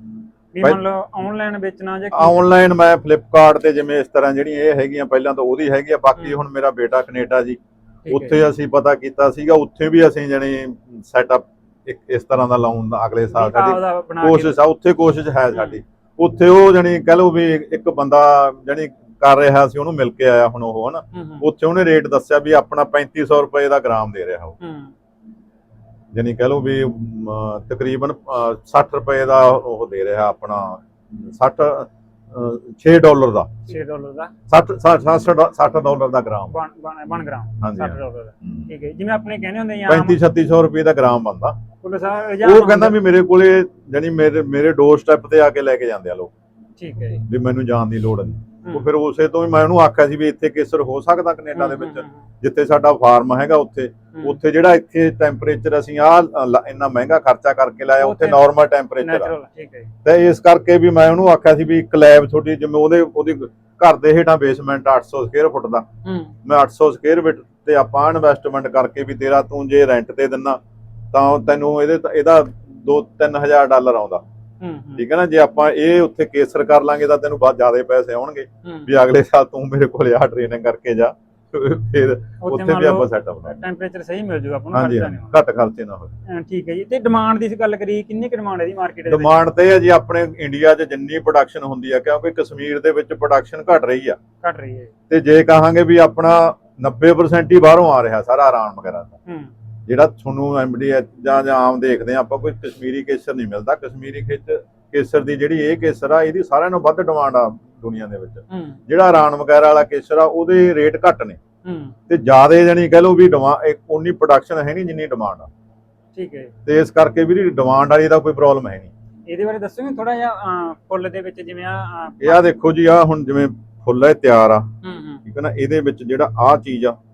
A: ਵੀ ਮੰਨ ਲਓ ਆਨਲਾਈਨ ਵੇਚਣਾ ਜਾਂ
B: ਆਨਲਾਈਨ ਮੈਂ ਫਲਿੱਪਕਾਰਟ ਤੇ ਜਿਵੇਂ ਇਸ ਤਰ੍ਹਾਂ ਜਿਹੜੀਆਂ ਇਹ ਹੈਗੀਆਂ ਪਹਿਲਾਂ ਤਾਂ ਉਹਦੀ ਹੈਗੀ ਆ। ਬਾਕੀ ਹੁਣ ਮੇਰਾ ਬੇਟਾ ਕੈਨੇਡਾ ਜੀ, ਉੱਥੇ ਅਸੀਂ ਪਤਾ ਕੀਤਾ ਸੀਗਾ, ਉੱਥੇ ਵੀ ਅਸੀਂ ਜਾਨੀ ਸੈਟਅਪ ਇੱਕ ਇਸ ਤਰ੍ਹਾਂ ਦਾ ਲਾਉਣ ਦਾ ਅਗਲੇ ਸਾਲ ਸਾਡੀ ਕੋਸ਼ਿਸ਼ ਆ। ਉੱਥੇ ਕੋਸ਼ਿਸ਼ ਹੈ ਸਾਡੀ, ਉੱਥੇ ਉਹ ਜਾਨੀ ਕਹਿ ਲਓ ਵੀ ਇੱਕ ਬੰਦਾ ਜਾਨੀ ਕਰ ਰਿਹਾ ਸੀ, ਉਹਨੂੰ ਮਿਲ ਕੇ ਆਇਆ ਹੁਣ ਉਹ ਹਨਾ, ਉੱਥੇ ਉਹਨੇ ਰੇਟ ਦੱਸਿਆ ਵੀ ਆਪਣਾ 3500 ਰੁਪਏ ਦਾ ਗ੍ਰਾਮ ਦੇ ਰਿਹਾ ਉਹ, ਜਾਨੀ ਕਹਿ ਲਓ ਵੀ ਤਕਰੀਬਨ 60 ਰੁਪਏ ਦਾ ਉਹ ਦੇ ਰਿਹਾ ਆਪਣਾ 60 $6 ਦਾ,
A: $6 ਦਾ
B: 60 ਡਾਲਰ ਦਾ ਗ੍ਰਾਮ।
A: 1 ਗ੍ਰਾਮ
B: ਹਾਂਜੀ,
A: $60 ਦਾ। ਠੀਕ ਹੈ, ਜਿਵੇਂ ਆਪਣੇ ਕਹਿੰਦੇ ਹੁੰਦੇ ਆ
B: 3500-3600 ਰੁਪਏ ਦਾ ਗ੍ਰਾਮ ਬਣਦਾ।
A: ਭੁੱਲਰ ਸਾਹਿਬ
B: ਉਹ ਕਹਿੰਦਾ ਵੀ ਮੇਰੇ ਕੋਲੇ ਜਾਨੀ ਮੇਰੇ ਡੋਰ ਸਟੈਪ ਤੇ ਆ ਕੇ ਲੈ ਕੇ ਜਾਂਦੇ ਆ ਲੋਕ।
A: ਠੀਕ ਹੈ ਜੀ।
B: ਵੀ ਮੈਨੂੰ ਜਾਣ ਦੀ ਲੋੜ ਨਹੀਂ। ਉਹ ਫਿਰ ਉਸੇ ਤੋਂ ਹੀ ਮੈਂ ਉਹਨੂੰ ਆਖਿਆ ਸੀ ਵੀ ਇੱਥੇ ਕੇਸਰ ਹੋ ਸਕਦਾ ਕੈਨੇਡਾ ਦੇ ਵਿੱਚ, ਜਿੱਥੇ ਸਾਡਾ ਫਾਰਮ ਹੈਗਾ ਉੱਥੇ ਜਿਹੜਾ ਇੱਥੇ ਟੈਂਪਰੇਚਰ ਅਸੀਂ ਇੰਨਾ ਮਹਿੰਗਾ ਖਰਚਾ ਕਰਕੇ ਲਾਇਆ, ਉੱਥੇ ਨਾਰਮਲ ਟੈਂਪਰੇਚਰ ਆ।
A: ਠੀਕ ਹੈ ਜੀ।
B: ਤੇ ਇਸ ਕਰਕੇ ਵੀ ਮੈਂ ਉਹਨੂੰ ਆਖਿਆ ਸੀ ਵੀ ਇੱਕ ਲੈਬ ਤੁਹਾਡੀ, ਜਿਵੇਂ ਉਹਦੀ ਘਰ ਦੇ ਹੇਠਾਂ ਬੇਸਮੈਂਟ 800 ਸਕੁਅਰ ਫੁੱਟ ਦਾ, ਮੈਂ 800 ਸਕੁਅਰ ਫੁੱਟ ਤੇ ਆਪਾਂ ਇਨਵੈਸਟਮੈਂਟ ਕਰਕੇ ਵੀ ਤੇਰਾ ਤੂੰ ਜੇ ਰੈਂਟ ਤੇ ਦਿੰਨਾ ਤਾਂ ਤੈਨੂੰ ਇਹਦਾ $2-3,000 ਆਉਂਦਾ। ਠੀਕ ਹੈ ਨਾ, ਜੇ ਆਪਾਂ ਇਹ ਉੱਥੇ ਕੇਸਰ ਕਰ ਲਾਂਗੇ ਤਾਂ ਤੈਨੂੰ ਬਹੁਤ ਜ਼ਿਆਦਾ ਪੈਸੇ ਆਉਣਗੇ, ਵੀ ਅਗਲੇ ਸਾਲ ਤੂੰ ਮੇਰੇ ਕੋਲ ਆ ਟ੍ਰੇਨਿੰਗ ਕਰਕੇ ਜਾ, ਫਿਰ ਉੱਥੇ ਵੀ ਆਪਾਂ ਸੈਟਅਪ ਬਣਾ
A: ਟੈਂਪਰੇਚਰ ਸਹੀ ਮਿਲ ਜੂਗਾ ਆਪਾਂ ਨੂੰ,
B: ਹਾਂਜੀ, ਘੱਟ ਖਰਚੇ ਨਾ ਹੋਵੇ।
A: ਠੀਕ ਹੈ ਜੀ। ਤੇ ਡਿਮਾਂਡ ਦੀ ਗੱਲ ਕਰੀ, ਕਿੰਨੀ ਕੁ ਡਿਮਾਂਡ ਹੈ ਦੀ ਮਾਰਕੀਟ ਦੇ ਵਿੱਚ?
B: ਡਿਮਾਂਡ ਤੇ ਹੈ ਜੀ ਆਪਣੇ ਇੰਡੀਆ 'ਚ ਜਿੰਨੀ ਪ੍ਰੋਡਕਸ਼ਨ ਹੁੰਦੀ ਆ, ਕਿਉਂਕਿ ਕਸ਼ਮੀਰ ਦੇ ਵਿੱਚ ਪ੍ਰੋਡਕਸ਼ਨ ਘਟ ਰਹੀ ਆ,
A: ਘਟ ਰਹੀ ਹੈ।
B: ਤੇ ਜੇ ਕਹਾਂਗੇ ਵੀ ਆਪਣਾ 90% ਹੀ ਬਾਹਰੋਂ ਆ ਰਿਹਾ ਸਾਰਾ ਆਰਾਮ ਵਗੈਰਾ ਦਾ, ਜਿਹੜਾ ਤੁਹਾਨੂੰ ਐਮਡੀਐਚ ਜਾਂ ਆਮ ਦੇਖਦੇ ਆ ਆਪਾਂ, ਕੋਈ ਕਸ਼ਮੀਰੀ ਕੇਸਰ ਨਹੀਂ ਮਿਲਦਾ। ਕਸ਼ਮੀਰੀ ਕੇਸਰ ਦੀ ਜਿਹੜੀ ਇਹ ਕੇਸਰ ਆ, ਇਹਦੀ ਸਾਰਿਆਂ ਨਾਲੋਂ ਵੱਧ ਡਿਮਾਂਡ ਆ ਦੁਨੀਆ ਦੇ ਵਿੱਚ। ਜਿਹੜਾ ਇਰਾਨ ਵਗੈਰਾ ਵਾਲਾ ਕੇਸਰ ਆ, ਉਹਦੇ ਰੇਟ ਘੱਟ ਨੇ ਤੇ ਜ਼ਿਆਦਾ, ਜਾਨੀ ਕਹਿ ਲਓ ਵੀ ਉਨੀ ਪ੍ਰੋਡਕਸ਼ਨ ਹੈ ਨਹੀਂ ਜਿੰਨੀ ਡਿਮਾਂਡ ਆ।
A: ਠੀਕ ਹੈ।
B: ਤੇ ਇਸ ਕਰਕੇ ਵੀ ਡਿਮਾਂਡ ਵਾਲੀ ਦਾ ਕੋਈ ਪ੍ਰੋਬਲਮ ਹੈ ਨਹੀਂ।
A: ਇਹਦੇ ਬਾਰੇ ਦੱਸੋਗੇ ਥੋੜਾ ਜਿਹਾ? ਫੁੱਲ ਦੇ ਵਿੱਚ ਜਿਵੇਂ
B: ਇਹ ਦੇਖੋ ਜੀ, ਆ ਹੁਣ ਜਿਵੇਂ ਫੁੱਲ ਇਹ ਤਿਆਰ ਆ, ਠੀਕ ਹੈ ਨਾ, ਇਹਦੇ ਵਿੱਚ ਜਿਹੜਾ ਆਹ ਚੀਜ਼ ਆ,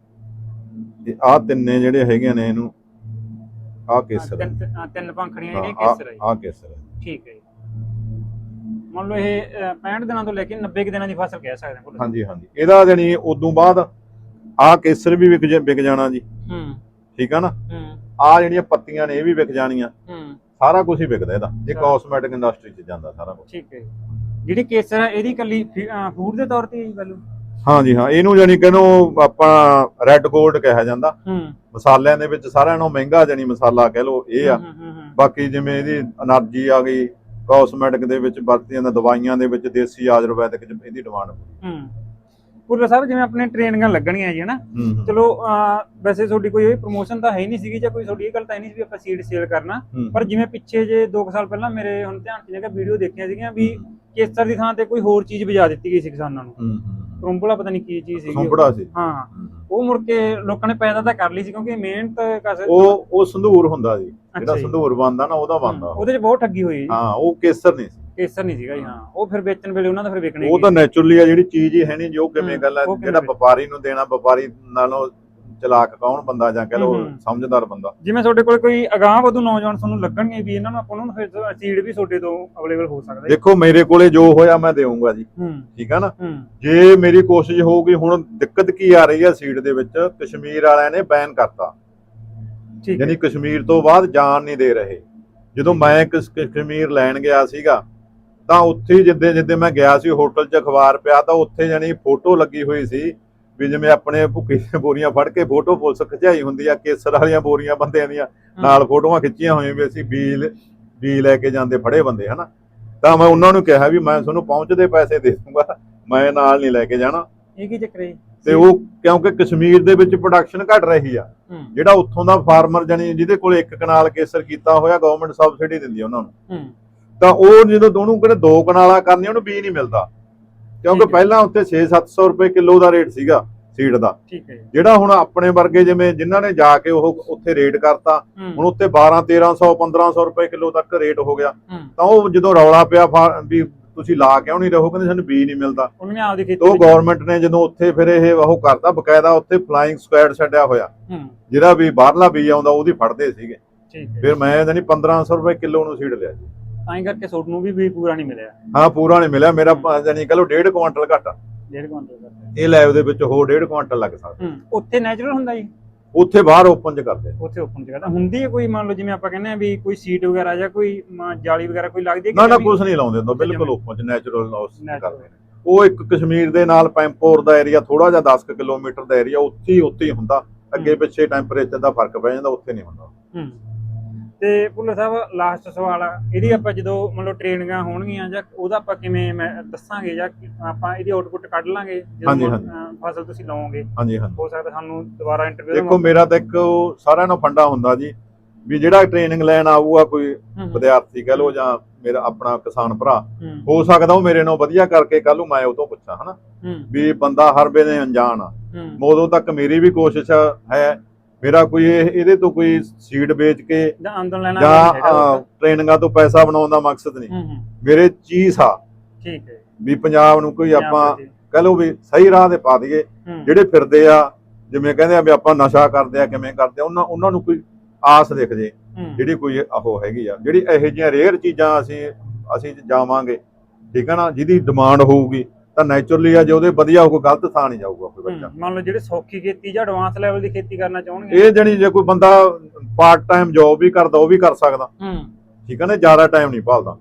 B: ਆਹ ਤਿੰਨੇ ਜਿਹੜੇ ਹੈਗੇ ਨੇ, ਇਹਨੂੰ ਆਹ ਕੇਸਰ,
A: ਤਿੰਨ ਪੰਖੜੀਆਂ ਜਿਹੜੀਆਂ ਕੇਸਰ ਹੈ,
B: ਆਹ ਕੇਸਰ।
A: ਠੀਕ ਹੈ। ਮੰਨ ਲਓ ਇਹ 65 ਦਿਨਾਂ ਤੋਂ ਲੈ ਕੇ 90 ਦਿਨਾਂ ਦੀ ਫਸਲ ਕਹਿ ਸਕਦੇ ਹਾਂ।
B: ਹਾਂਜੀ, ਇਹਦਾ ਜਾਨੀ ਉਦੋਂ ਬਾਅਦ ਆਹ ਕੇਸਰ ਵੀ ਵਿਕ ਜਾਣਾ ਜੀ। ਠੀਕ ਆ ਨਾ, ਆਹ ਜਿਹੜੀਆਂ ਪੱਤੀਆਂ ਨੇ ਇਹ ਵੀ ਵਿਕ ਜਾਣੀਆਂ, ਸਾਰਾ ਕੁਝ ਹੀ ਵਿਕਦਾ ਇਹਦਾ। ਇਹ ਕਾਸਮੈਟਿਕ ਇੰਡਸਟਰੀ 'ਚ ਜਾਂਦਾ ਸਾਰਾ ਕੁਝ। ਠੀਕ ਹੈ। ਜਿਹੜੀ ਕੇਸਰ ਹੈ ਇਹਦੀ ਕੱਲੀ ਫੂਡ ਦੇ ਤੌਰ ਤੇ ਹੀ ਵੈਲਿਊ? ਹਾਂਜੀ, ਇਹਨੂੰ ਜਾਨੀ ਕਹਿੰਨੋ ਆਪਾਂ ਰੈੱਡ ਗੋਲਡ ਕਿਹਾ ਜਾਂਦਾ। ਮਸਾਲਿਆਂ ਦੇ ਵਿੱਚ ਸਾਰਿਆਂ ਨਾਲੋਂ ਮਹਿੰਗਾ ਜਾਨੀ ਮਸਾਲਾ ਕਹਿ ਲਓ ਇਹ ਆ। ਬਾਕੀ ਜਿਵੇਂ ਇਹਦੀ એનર્ਜੀ ਆ ਗਈ, ਕਾਸਮੈਟਿਕ ਦੇ ਵਿੱਚ ਵਰਤੀਆਂ ਜਾਂਦੀਆਂ ਦਵਾਈਆਂ ਦੇ ਵਿੱਚ, ਦੇਸੀ ਆਯੁਰਵੈਦਿਕ 'ਚ ਇਹਦੀ ਡਿਮਾਂਡ।
A: ਭੁੱਲਰ ਸਾਹਿਬ ਜਿਵੇਂ ਆਪਣੇ ਟ੍ਰੇਨਿੰਗਾਂ ਲੱਗਣੀਆਂ ਜੀ ਹਨਾ, ਚਲੋ ਵੈਸੇ ਤੁਹਾਡੀ ਕੋਈ ਪ੍ਰੋਮੋਸ਼ਨ ਤਾਂ ਹੈ ਨਹੀਂ ਸੀਗੀ, ਜਾਂ ਕੋਈ ਤੁਹਾਡੀ ਇਹ ਗੱਲ ਤਾਂ ਨਹੀਂ ਸੀ ਵੀ ਆਪਾਂ ਸੀਡ ਸੇਲ ਕਰਨਾ, ਪਰ ਜਿਵੇਂ ਪਿੱਛੇ ਜੇ 2 ਸਾਲ ਪਹਿਲਾਂ ਮੇਰੇ ਹੁਣ ਧਿਆਨ 'ਚ ਜੇਗਾ ਵੀਡੀਓ ਦੇਖੀਆਂ ਸੀਗੀਆਂ ਵੀ ਕੇਸਰ ਦੀ ਥਾਂ ਤੇ ਕੋਈ ਹੋਰ ਚੀਜ਼ ਬਜਾ ਦਿੱਤੀ ਗਈ ਸੀ ਕਿਸਾਨਾਂ ਨੂੰ। ਕਰੰਬਲਾ ਪਤਾ ਨਹੀਂ ਕੀ ਚੀਜ਼ ਸੀਗੀ। ਹਾਂ, ਉਹ ਮੁੜ ਕੇ ਲੋਕਾਂ ਨੇ ਪੈਦਾ ਤਾਂ ਕਰ ਲਈ ਸੀ, ਕਿਉਂਕਿ ਮਿਹਨਤ
B: ਉਹ ਸੰਧੂਰ ਹੁੰਦਾ ਜੀ, ਜਿਹੜਾ ਸੰਧੂਰ ਬਣਦਾ ਨਾ ਉਹਦਾ ਬਣਦਾ, ਉਹਦੇ 'ਚ
A: ਬਹੁਤ ਠੱਗੀ ਹੋਈ।
B: ਹਾਂ, ਉਹ ਕੇਸਰ ਨਹੀਂ
A: ਸੀਗਾ ਜੀ। ਹਾਂ, ਉਹ ਫਿਰ ਵੇਚਣ ਵੇਲੇ ਉਹਨਾਂ ਦਾ ਫਿਰ ਵਿਕਣੇ,
B: ਉਹ ਤਾਂ ਨੈਚੁਰਲੀ ਆ ਜਿਹੜੀ ਚੀਜ਼ ਹੀ ਹੈ ਨਹੀਂ, ਜੋ ਕਿਵੇਂ ਗੱਲ ਹੈ, ਜਿਹੜਾ ਵਪਾਰੀ ਨੂੰ ਦੇਣਾ, ਵਪਾਰੀ ਨਾਲੋਂ ਚਲਾਕ ਕੌਣ ਬੰਦਾ, ਜਾਂ ਕਹ ਲਓ ਸਮਝਦਾਰ ਬੰਦਾ।
A: ਜਿਵੇਂ ਤੁਹਾਡੇ ਕੋਲ ਕੋਈ ਅਗਾਂਹ ਵਧੂ ਨੌਜਵਾਨ ਤੁਹਾਨੂੰ ਲੱਗਣਗੇ ਵੀ ਇਹਨਾਂ ਨੂੰ ਆਪਾਂ ਨੂੰ ਫਿਰ ਸੀਡ ਵੀ ਤੁਹਾਡੇ ਤੋਂ ਅਵੇਲੇਬਲ ਹੋ ਸਕਦਾ?
B: ਦੇਖੋ, ਮੇਰੇ ਕੋਲੇ ਜੋ ਹੋਇਆ ਮੈਂ ਦੇਵਾਂਗਾ ਜੀ। ਠੀਕ ਆ ਨਾ, ਜੇ ਮੇਰੀ ਕੋਸ਼ਿਸ਼ ਹੋਊਗੀ। ਹੁਣ ਦਿੱਕਤ ਕੀ ਆ ਰਹੀ ਹੈ ਸੀਡ ਦੇ ਵਿੱਚ, ਕਸ਼ਮੀਰ ਵਾਲਿਆਂ ਨੇ ਬੈਨ ਕਰਤਾ, ਯਾਨੀ ਕਸ਼ਮੀਰ ਤੋਂ ਬਾਅਦ ਜਾਣ ਨਹੀਂ ਦੇ ਰਹੇ। ਜਦੋਂ ਮੈਂ ਕਸ਼ਮੀਰ ਲੈਣ ਗਿਆ ਸੀਗਾ ਤਾਂ ਉੱਥੇ ਜਿੱਦੇ ਮੈਂ ਗਿਆ ਸੀ, ਹੋਟਲ 'ਚ ਅਖਬਾਰ ਪਿਆ ਤਾਂ ਉੱਥੇ ਜਾਨੀ ਫੋਟੋ ਲੱਗੀ ਹੋਈ ਸੀ ਵੀ ਜਿਵੇਂ ਆਪਣੇ ਭੁੱਕੀ ਦੀਆਂ ਬੋਰੀਆਂ ਫੜ ਕੇ ਫੋਟੋ ਪੁਲਿਸ ਖਿਚਾਈ ਹੁੰਦੀ ਆ, ਕੇਸਰ ਵਾਲੀਆਂ ਬੋਰੀਆਂ ਬੰਦਿਆਂ ਦੀਆਂ ਨਾਲ ਫੋਟੋਆਂ ਖਿੱਚੀਆਂ ਹੋਈਆਂ ਵੀ ਅਸੀਂ ਬੀ ਲੈ ਕੇ ਜਾਂਦੇ ਫੜੇ ਬੰਦੇ ਹਨਾ। ਤਾਂ ਮੈਂ ਉਹਨਾਂ ਨੂੰ ਕਿਹਾ ਵੀ ਮੈਂ ਤੁਹਾਨੂੰ ਪਹੁੰਚਦੇ ਪੈਸੇ ਦੇ ਦੂੰਗਾ, ਮੈਂ ਨਾਲ ਨਹੀਂ ਲੈ ਕੇ ਜਾਣਾ।
A: ਇਹ ਕੀ ਚੱਕਰ ਹੈ?
B: ਤੇ ਉਹ ਕਿਉਂਕਿ ਕਸ਼ਮੀਰ ਦੇ ਵਿੱਚ ਪ੍ਰੋਡਕਸ਼ਨ ਘਟ ਰਹੀ ਆ, ਜਿਹੜਾ ਉੱਥੋਂ ਦਾ ਫਾਰਮਰ ਜਾਨੀ ਜਿਹਦੇ ਕੋਲ 1 ਕਨਾਲ ਕੇਸਰ ਕੀਤਾ ਹੋਇਆ, ਗਵਰਨਮੈਂਟ ਸਬਸਿਡੀ ਦਿੰਦੀ ਆ ਉਹਨਾਂ ਨੂੰ, ਤਾਂ ਉਹ ਜਦੋਂ ਦੋਨੋਂ ਕਿਹੜੇ 2 ਕਨਾਲਾਂ ਕਰਨੀ, ਉਹਨੂੰ ਬੀ ਨਹੀਂ ਮਿਲਦਾ, ਕਿਉਂਕਿ ਪਹਿਲਾਂ ਉੱਥੇ 600-700 ਰੁਪਏ ਕਿਲੋ ਦਾ ਰੇਟ ਸੀਗਾ ਸੀਡ ਦਾ। ਜਿਹੜਾ ਹੁਣ ਆਪਣੇ ਵਰਗੇ ਜਿਵੇਂ ਜਿਨ੍ਹਾਂ ਨੇ ਜਾ ਕੇ ਉਹ ਉੱਥੇ ਰੇਟ ਕਰਤਾ, ਹੁਣ ਉੱਥੇ 1200-1300-1500 ਰੁਪਏ ਕਿਲੋ ਤੱਕ ਰੇਟ ਹੋ ਗਿਆ। ਤਾਂ ਉਹ ਜਦੋਂ ਰੌਲਾ ਪਿਆ ਵੀ ਤੁਸੀਂ ਲਾ ਕਿਉਂ ਨਹੀਂ ਰਹੋ, ਕਹਿੰਦੇ ਸਾਨੂੰ ਬੀ ਨਹੀਂ ਮਿਲਦਾ। ਉਹ ਗਵਰਨਮੈਂਟ ਨੇ ਜਦੋਂ ਉੱਥੇ ਫਿਰ ਇਹ ਉਹ ਕਰਤਾ, ਬਕਾਇਦਾ ਉੱਥੇ ਫਲਾਈਂਗ ਸਕੁਐਡ ਛੱਡਿਆ ਹੋਇਆ, ਜਿਹੜਾ ਵੀ ਬਾਹਰਲਾ ਬੀ ਆਉਂਦਾ ਉਹਦੀ ਫੜਦੇ ਸੀਗੇ। ਫਿਰ ਮੈਂ ਜਾਨੀ 1500 ਰੁਪਏ ਕਿਲੋ ਨੂੰ ਸੀਡ ਲਿਆ ਜੀ।
A: ਤਾਂ ਕਰਕੇ ਸੋਟ ਨੂੰ ਵੀ ਪੂਰਾ ਨਹੀਂ ਮਿਲਿਆ।
B: ਹਾਂ, ਪੂਰਾ ਨਹੀਂ ਮਿਲਿਆ ਮੇਰਾ, ਜਾਨੀ ਕਹ ਲਓ 1.5 ਕੁਆਂਟਲ ਘੱਟ।
A: 1.5 ਕੁਆਂਟਲ
B: ਇਹ ਲੈਬ ਦੇ ਵਿੱਚ ਹੋਰ 1.5 ਕੁਆਂਟਲ ਲੱਗ ਸਕਦਾ।
A: ਉੱਥੇ ਨੈਚੁਰਲ ਹੁੰਦਾ ਜੀ?
B: ਉੱਥੇ ਬਾਹਰ ਓਪਨ 'ਚ ਕਰਦੇ।
A: ਉੱਥੇ ਓਪਨ 'ਚ ਕਰਦਾ ਹੁੰਦੀ ਹੈ ਕੋਈ, ਮੰਨ ਲਓ ਜਿਵੇਂ ਆਪਾਂ ਕਹਿੰਦੇ ਆ ਵੀ ਕੋਈ ਸੀਟ ਵਗੈਰਾ ਜਾਂ ਕੋਈ ਜਾਲੀ ਵਗੈਰਾ ਕੋਈ ਲੱਗਦੀ ਹੈ?
B: ਨਾ, ਕੁਝ ਨਹੀਂ ਲਾਉਂਦੇ ਹੁੰਦਾ, ਬਿਲਕੁਲ ਓਪਨ 'ਚ ਨੈਚੁਰਲ ਕਰਦੇ ਨੇ। ਉਹ ਇੱਕ ਕਸ਼ਮੀਰ ਦੇ ਨਾਲ ਪੈਂਪੋਰ ਦਾ ਏਰੀਆ, ਥੋੜਾ ਜਿਹਾ 10 ਕਿਲੋਮੀਟਰ ਦਾ ਏਰੀਆ, ਉੱਥੇ ਹੀ ਹੁੰਦਾ। ਅੱਗੇ ਪਿੱਛੇ ਟੈਂਪਰੇਚਰ ਦਾ ਫਰਕ ਪੈ ਜਾਂਦਾ, ਉੱਥੇ ਨਹੀਂ ਹੁੰਦਾ।
A: ਤੇ ਭੁੱਲਰ ਸਾਹਿਬ ਲਾਸਟ ਸਵਾਲ ਆ, ਇਹਦੀ ਆਪਾਂ ਜਦੋਂ ਮਤਲਬ ਟ੍ਰੇਨਿੰਗਾਂ ਹੋਣਗੀਆਂ ਜਾਂ ਉਹਦਾ ਆਪਾਂ ਕਿਵੇਂ ਦੱਸਾਂਗੇ, ਜਾਂ ਆਪਾਂ ਇਹਦੀ ਆਊਟਪੁੱਟ ਕੱਢ ਲਾਂਗੇ ਜਦੋਂ ਫਸਲ ਤੁਸੀਂ ਲਾਓਗੇ? ਹੋ ਸਕਦਾ ਸਾਨੂੰ ਦੁਬਾਰਾ ਇੰਟਰਵਿਊ।
B: ਦੇਖੋ, ਮੇਰਾ ਤਾਂ ਇੱਕ ਸਾਰਿਆਂ ਨੂੰ ਫੰਡਾ ਹੁੰਦਾ ਜੀ ਵੀ ਜਿਹੜਾ ਟ੍ਰੇਨਿੰਗ ਲੈਣ ਆਊਗਾ ਕੋਈ ਵਿਦਿਆਰਥੀ ਕਹਿ ਲਓ ਜਾਂ ਮੇਰਾ ਆਪਣਾ ਕਿਸਾਨ ਭਰਾ, ਹੋ ਸਕਦਾ ਉਹ ਮੇਰੇ ਨਾਲ ਵਧੀਆ ਕਰਕੇ ਕੱਲ ਨੂੰ ਮੈਂ ਉਹ ਤੋਂ ਪੁੱਛਾਂ ਹਨਾ, ਵੀ ਬੰਦਾ ਹਰ ਵੇਲੇ ਅਣਜਾਣ ਆ। ਉਦੋਂ ਤੱਕ ਮੇਰੀ ਵੀ ਕੋਸ਼ਿਸ਼ ਹੈ, ਮੇਰਾ ਕੋਈ ਇਹਦੇ ਤੋਂ ਕੋਈ ਸੀਡ ਵੇਚ ਕੇ ਜਾਂ ਟ੍ਰੇਨਿੰਗਾਂ ਤੋਂ ਪੈਸਾ ਬਣਾਉਣ ਦਾ ਮਕਸਦ ਨਹੀਂ। ਮੇਰੇ ਚੀਜ਼ ਆ
A: ਠੀਕ ਹੈ
B: ਵੀ ਪੰਜਾਬ ਨੂੰ ਕੋਈ ਆਪਾਂ ਕਹਿ ਲਓ ਵੀ ਸਹੀ ਰਾਹ ਤੇ ਪਾ ਦਈਏ। ਜਿਹੜੇ ਫਿਰਦੇ ਆ ਜਿਵੇਂ ਕਹਿੰਦੇ ਆ ਵੀ ਆਪਾਂ ਨਸ਼ਾ ਕਰਦੇ ਆ ਕਿਵੇਂ ਕਰਦੇ ਆ, ਉਹਨਾਂ ਨੂੰ ਕੋਈ ਆਸ ਦਿਖ ਜੇ, ਜਿਹੜੀ ਕੋਈ ਉਹ ਹੈਗੀ ਆ, ਜਿਹੜੀ ਇਹੋ ਜਿਹੀਆਂ ਰੇਅਰ ਚੀਜ਼ਾਂ ਅਸੀਂ ਜਾਵਾਂਗੇ, ਠੀਕ ਹੈ ਨਾ, ਜਿਹਦੀ ਡਿਮਾਂਡ ਹੋਊਗੀ ਤਾਂ ਨੈਚੁਰਲੀ ਆ, ਜੇ ਉਹਦੇ ਵਧੀਆ ਕੋਈ ਗਲਤ ਥਾਂ ਨਹੀਂ ਜਾਊਗਾ ਕੋਈ ਬੱਚਾ।
A: ਮੰਨ ਲਓ ਜਿਹੜੇ ਸੌਖੀ ਖੇਤੀ ਜਾਂ ਐਡਵਾਂਸ ਲੈਵਲ ਦੀ ਖੇਤੀ ਕਰਨਾ ਚਾਹਣਗੇ,
B: ਇਹ ਜਣੀ ਜੇ ਕੋਈ ਬੰਦਾ ਪਾਰਟ ਟਾਈਮ ਜੌਬ ਵੀ ਕਰਦਾ ਉਹ ਵੀ ਕਰ ਸਕਦਾ, ਠੀਕ ਹੈ ਨਾ, ਜ਼ਿਆਦਾ ਟਾਈਮ ਨਹੀਂ ਭਾਲਦਾ।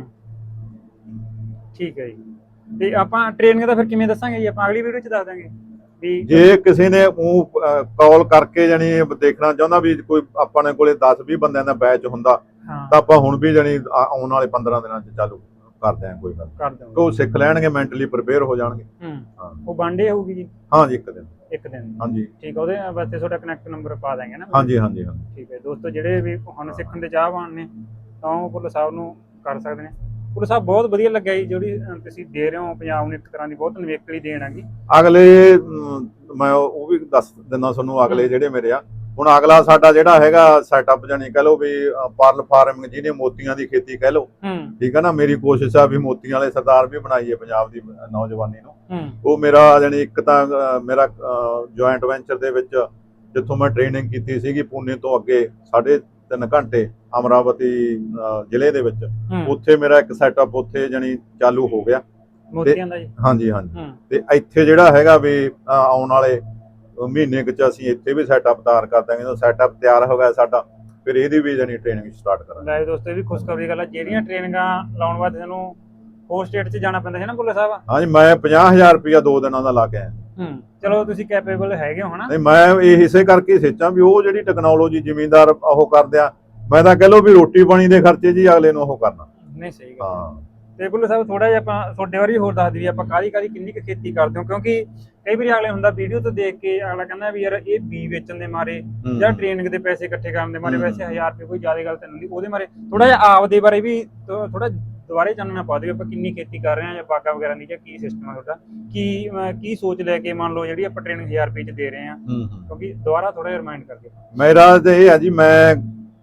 A: ਠੀਕ ਹੈ ਜੀ। ਤੇ ਆਪਾਂ ਟ੍ਰੇਨਿੰਗ ਦਾ ਫਿਰ ਕਿਵੇਂ ਦੱਸਾਂਗੇ ਜੀ? ਆਪਾਂ ਅਗਲੀ ਵੀਡੀਓ 'ਚ ਦੱਸ ਦਾਂਗੇ ਵੀ
B: ਜੇ ਕਿਸੇ ਨੇ ਉਹ ਕਾਲ ਕਰਕੇ ਜਾਨੀ ਦੇਖਣਾ ਚਾਹੁੰਦਾ ਵੀ ਕੋਈ ਆਪਣੇ ਕੋਲੇ 10-20 ਬੰਦਿਆਂ ਦਾ ਬੈਚ ਹੁੰਦਾ ਤਾਂ ਆਪਾਂ ਹੁਣ ਵੀ ਜਾਨੀ ਆਉਣ ਵਾਲੇ 15 ਦਿਨਾਂ 'ਚ ਚਾਲੂ ਕਰਦੇ ਆਂ, ਕੋਈ ਗੱਲ
A: ਕਰ ਦਿਓ,
B: ਉਹ ਸਿੱਖ ਲੈਣਗੇ, ਮੈਂਟਲੀ ਪ੍ਰਿਪੇਅਰ ਹੋ ਜਾਣਗੇ।
A: ਉਹ ਵਨਡੇ ਹੋਊਗੀ ਜੀ?
B: ਹਾਂ ਜੀ, ਇੱਕ ਦਿਨ
A: ਹਾਂਜੀ ਠੀਕ ਹੈ। ਉਹਦੇ ਵਾਸਤੇ ਤੁਹਾਡਾ ਕਨੈਕਟ ਨੰਬਰ ਪਾ ਦਾਂਗੇ ਨਾ?
B: ਹਾਂਜੀ।
A: ਠੀਕ ਹੈ ਦੋਸਤੋ, ਜਿਹੜੇ ਵੀ ਹੁਣ ਸਿੱਖਣ ਦੇ ਚਾਹਵਾਨ ਨੇ ਤਾਂ ਉਹ ਭੁੱਲਰ ਸਾਹਿਬ ਨੂੰ ਕਰ ਸਕਦੇ ਨੇ। ਭੁੱਲਰ ਸਾਹਿਬ ਬਹੁਤ ਵਧੀਆ ਲੱਗਿਆ ਜੀ, ਜਿਹੜੀ ਤੁਸੀਂ ਦੇ ਰਹੇ ਹੋ ਪੰਜਾਬ ਨੂੰ ਇੱਕ ਤਰ੍ਹਾਂ ਦੀ ਬਹੁਤ ਨਿਵੇਕਲੀ ਦੇਣ ਹੈਗੀ।
B: ਅਗਲੇ ਮੈਂ ਉਹ ਵੀ ਦੱਸ ਦਿੰਦਾ ਤੁਹਾਨੂੰ, ਅਗਲੇ ਜਿਹੜੇ ਮੇਰੇ ਆ ਹੁਣ ਅਗਲਾ ਸਾਡਾ ਜਿਹੜਾ ਹੈਗਾ ਸੈਟਅਪ ਜਾਨੀ ਕਹਿ ਲਓ ਵੀ ਪਰਲ ਫਾਰਮਿੰਗ, ਜਿਹਨੇ ਮੋਤੀਆਂ ਦੀ ਖੇਤੀ ਕਹਿ ਲਓ, ਠੀਕ ਹੈ ਨਾ। ਮੇਰੀ ਕੋਸ਼ਿਸ਼ ਆ ਵੀ ਮੋਤੀਆਂ ਵਾਲੇ ਸਰਦਾਰ ਵੀ ਬਣਾਈਏ ਪੰਜਾਬ ਦੀ ਨੌਜਵਾਨੀ ਨੂੰ। ਉਹ ਮੇਰਾ ਜਾਨੀ ਇੱਕ ਤਾਂ ਮੇਰਾ ਜੁਆਇੰਟ ਵੈਂਚਰ ਦੇ ਵਿੱਚ ਜਿੱਥੋਂ ਮੈਂ ਟ੍ਰੇਨਿੰਗ ਕੀਤੀ ਸੀਗੀ ਪੂਨੇ ਤੋਂ ਅੱਗੇ 3.5 ਘੰਟੇ ਅਮਰਾਵਤੀ ਜ਼ਿਲ੍ਹੇ ਦੇ ਵਿੱਚ, ਉੱਥੇ ਮੇਰਾ ਇੱਕ ਸੈਟਅਪ ਉੱਥੇ ਜਾਨੀ ਚਾਲੂ ਹੋ ਗਿਆ
A: ਮੋਤੀਆਂ ਦਾ ਜੀ।
B: ਹਾਂਜੀ। ਤੇ ਇੱਥੇ ਜਿਹੜਾ ਹੈਗਾ ਵੀ ਆਉਣ ਵਾਲੇ ਮਹੀਨੇ ਕੁ ਚ ਅਸੀਂ ਇੱਥੇ ਵੀ ਸੈਟਅਪ ਤਿਆਰ ਕਰ ਦਾਂਗੇ। ਜਦੋਂ ਸੈਟਅਪ ਤਿਆਰ ਹੋ ਗਿਆ ਸਾਡਾ, ਫਿਰ ਇਹਦੀ ਵੀ ਜਾਨੀ ਟ੍ਰੇਨਿੰਗ ਸਟਾਰਟ ਕਰਾਂਗੇ।
A: ਲੈ ਦੋਸਤੋ, ਇਹ ਵੀ ਖੁਸ਼ਖਬਰੀ ਗੱਲ ਆ, ਜਿਹੜੀਆਂ ਟ੍ਰੇਨਿੰਗਾਂ ਲਾਉਣ ਵਾਸਤੇ ਸਾਨੂੰ ਹੋਰ ਸਟੇਟ 'ਚ ਜਾਣਾ ਪੈਂਦਾ ਹੈ ਨਾ ਭੁੱਲਰ ਸਾਹਿਬ?
B: ਹਾਂਜੀ, ਮੈਂ 50,000 ਰੁਪਇਆ 2 ਦਿਨਾਂ ਦਾ ਲਾ ਕੇ ਆਇਆ।
A: ਚਲੋ ਤੁਸੀਂ ਕੈਪੇਬਲ ਹੈਗੇ ਹੋ ਹਨਾ?
B: ਨਹੀਂ, ਮੈਂ ਇਹ ਇਸੇ ਕਰਕੇ ਸੋਚਾਂ ਵੀ ਉਹ ਜਿਹੜੀ ਟੈਕਨੋਲੋਜੀ ਜ਼ਿਮੀਂਦਾਰ ਉਹ ਕਰਦੇ ਆ, ਮੈਂ ਤਾਂ ਕਹਿ ਲਓ ਵੀ ਰੋਟੀ ਪਾਣੀ ਦੇ ਖਰਚੇ ਜੀ ਅਗਲੇ ਨੂੰ ਉਹ ਕਰਨਾ।
A: ਨਹੀਂ ਸਹੀ ਗੱਲ। ਹਾਂ ਤੇ ਭੁੱਲਰ ਸਾਹਿਬ, ਥੋੜਾ ਜਿਹਾ ਆਪਾਂ ਤੁਹਾਡੇ ਬਾਰੇ ਹੋਰ ਦੱਸ ਦਈਏ, ਆਪਾਂ ਕਾਹਦੀ ਕਿੰਨੀ ਕੁ ਖੇਤੀ ਕਰਦੇ ਹੋ? ਕਿਉਂਕਿ ਕਈ ਵਾਰੀ ਅਗਲੇ ਹੁੰਦਾ ਵੀਡੀਓ ਤੋਂ ਦੇਖ ਕੇ ਅਗਲਾ ਕਹਿੰਦਾ ਵੀ ਯਾਰ ਇਹ ਬੀ ਵੇਚਣ ਦੇ ਮਾਰੇ ਜਾਂ ਟ੍ਰੇਨਿੰਗ ਦੇ ਪੈਸੇ ਇਕੱਠੇ ਕਰਨ ਦੇ ਮਾਰੇ, ਵੈਸੇ 1000 ਰੁਪਏ ਕੋਈ ਜ਼ਿਆਦਾ ਗੱਲ ਤਾਂ ਨਹੀਂ, ਉਹਦੇ ਮਾਰੇ ਥੋੜਾ ਜਿਹਾ ਆਪ ਦੇ ਬਾਰੇ ਵੀ ਥੋੜਾ ਦੁਬਾਰੇ ਚਾਨਣਾ ਪਾ ਦਿਓ, ਆਪਾਂ ਕਿੰਨੀ ਖੇਤੀ ਕਰ ਰਹੇ ਹਾਂ ਜਾਂ ਬਾਗਾ ਵਗੈਰਾ ਦੀ, ਜਾਂ ਕੀ ਸਿਸਟਮ ਹੈ ਤੁਹਾਡਾ, ਕੀ ਸੋਚ ਲੈ ਕੇ ਮੰਨ ਲਓ ਜਿਹੜੀ ਆਪਾਂ ਟ੍ਰੇਨਿੰਗ 1000 ਰੁਪਏ 'ਚ ਦੇ ਰਹੇ ਹਾਂ? ਕਿਉਂਕਿ ਦੁਬਾਰਾ ਥੋੜਾ ਜਿਹਾ ਰਿਮਾਈਂਡ ਕਰ ਦਿਓ। ਮੇਰਾ
B: ਤੇ ਇਹ ਹੈ ਜੀ, ਮੈਂ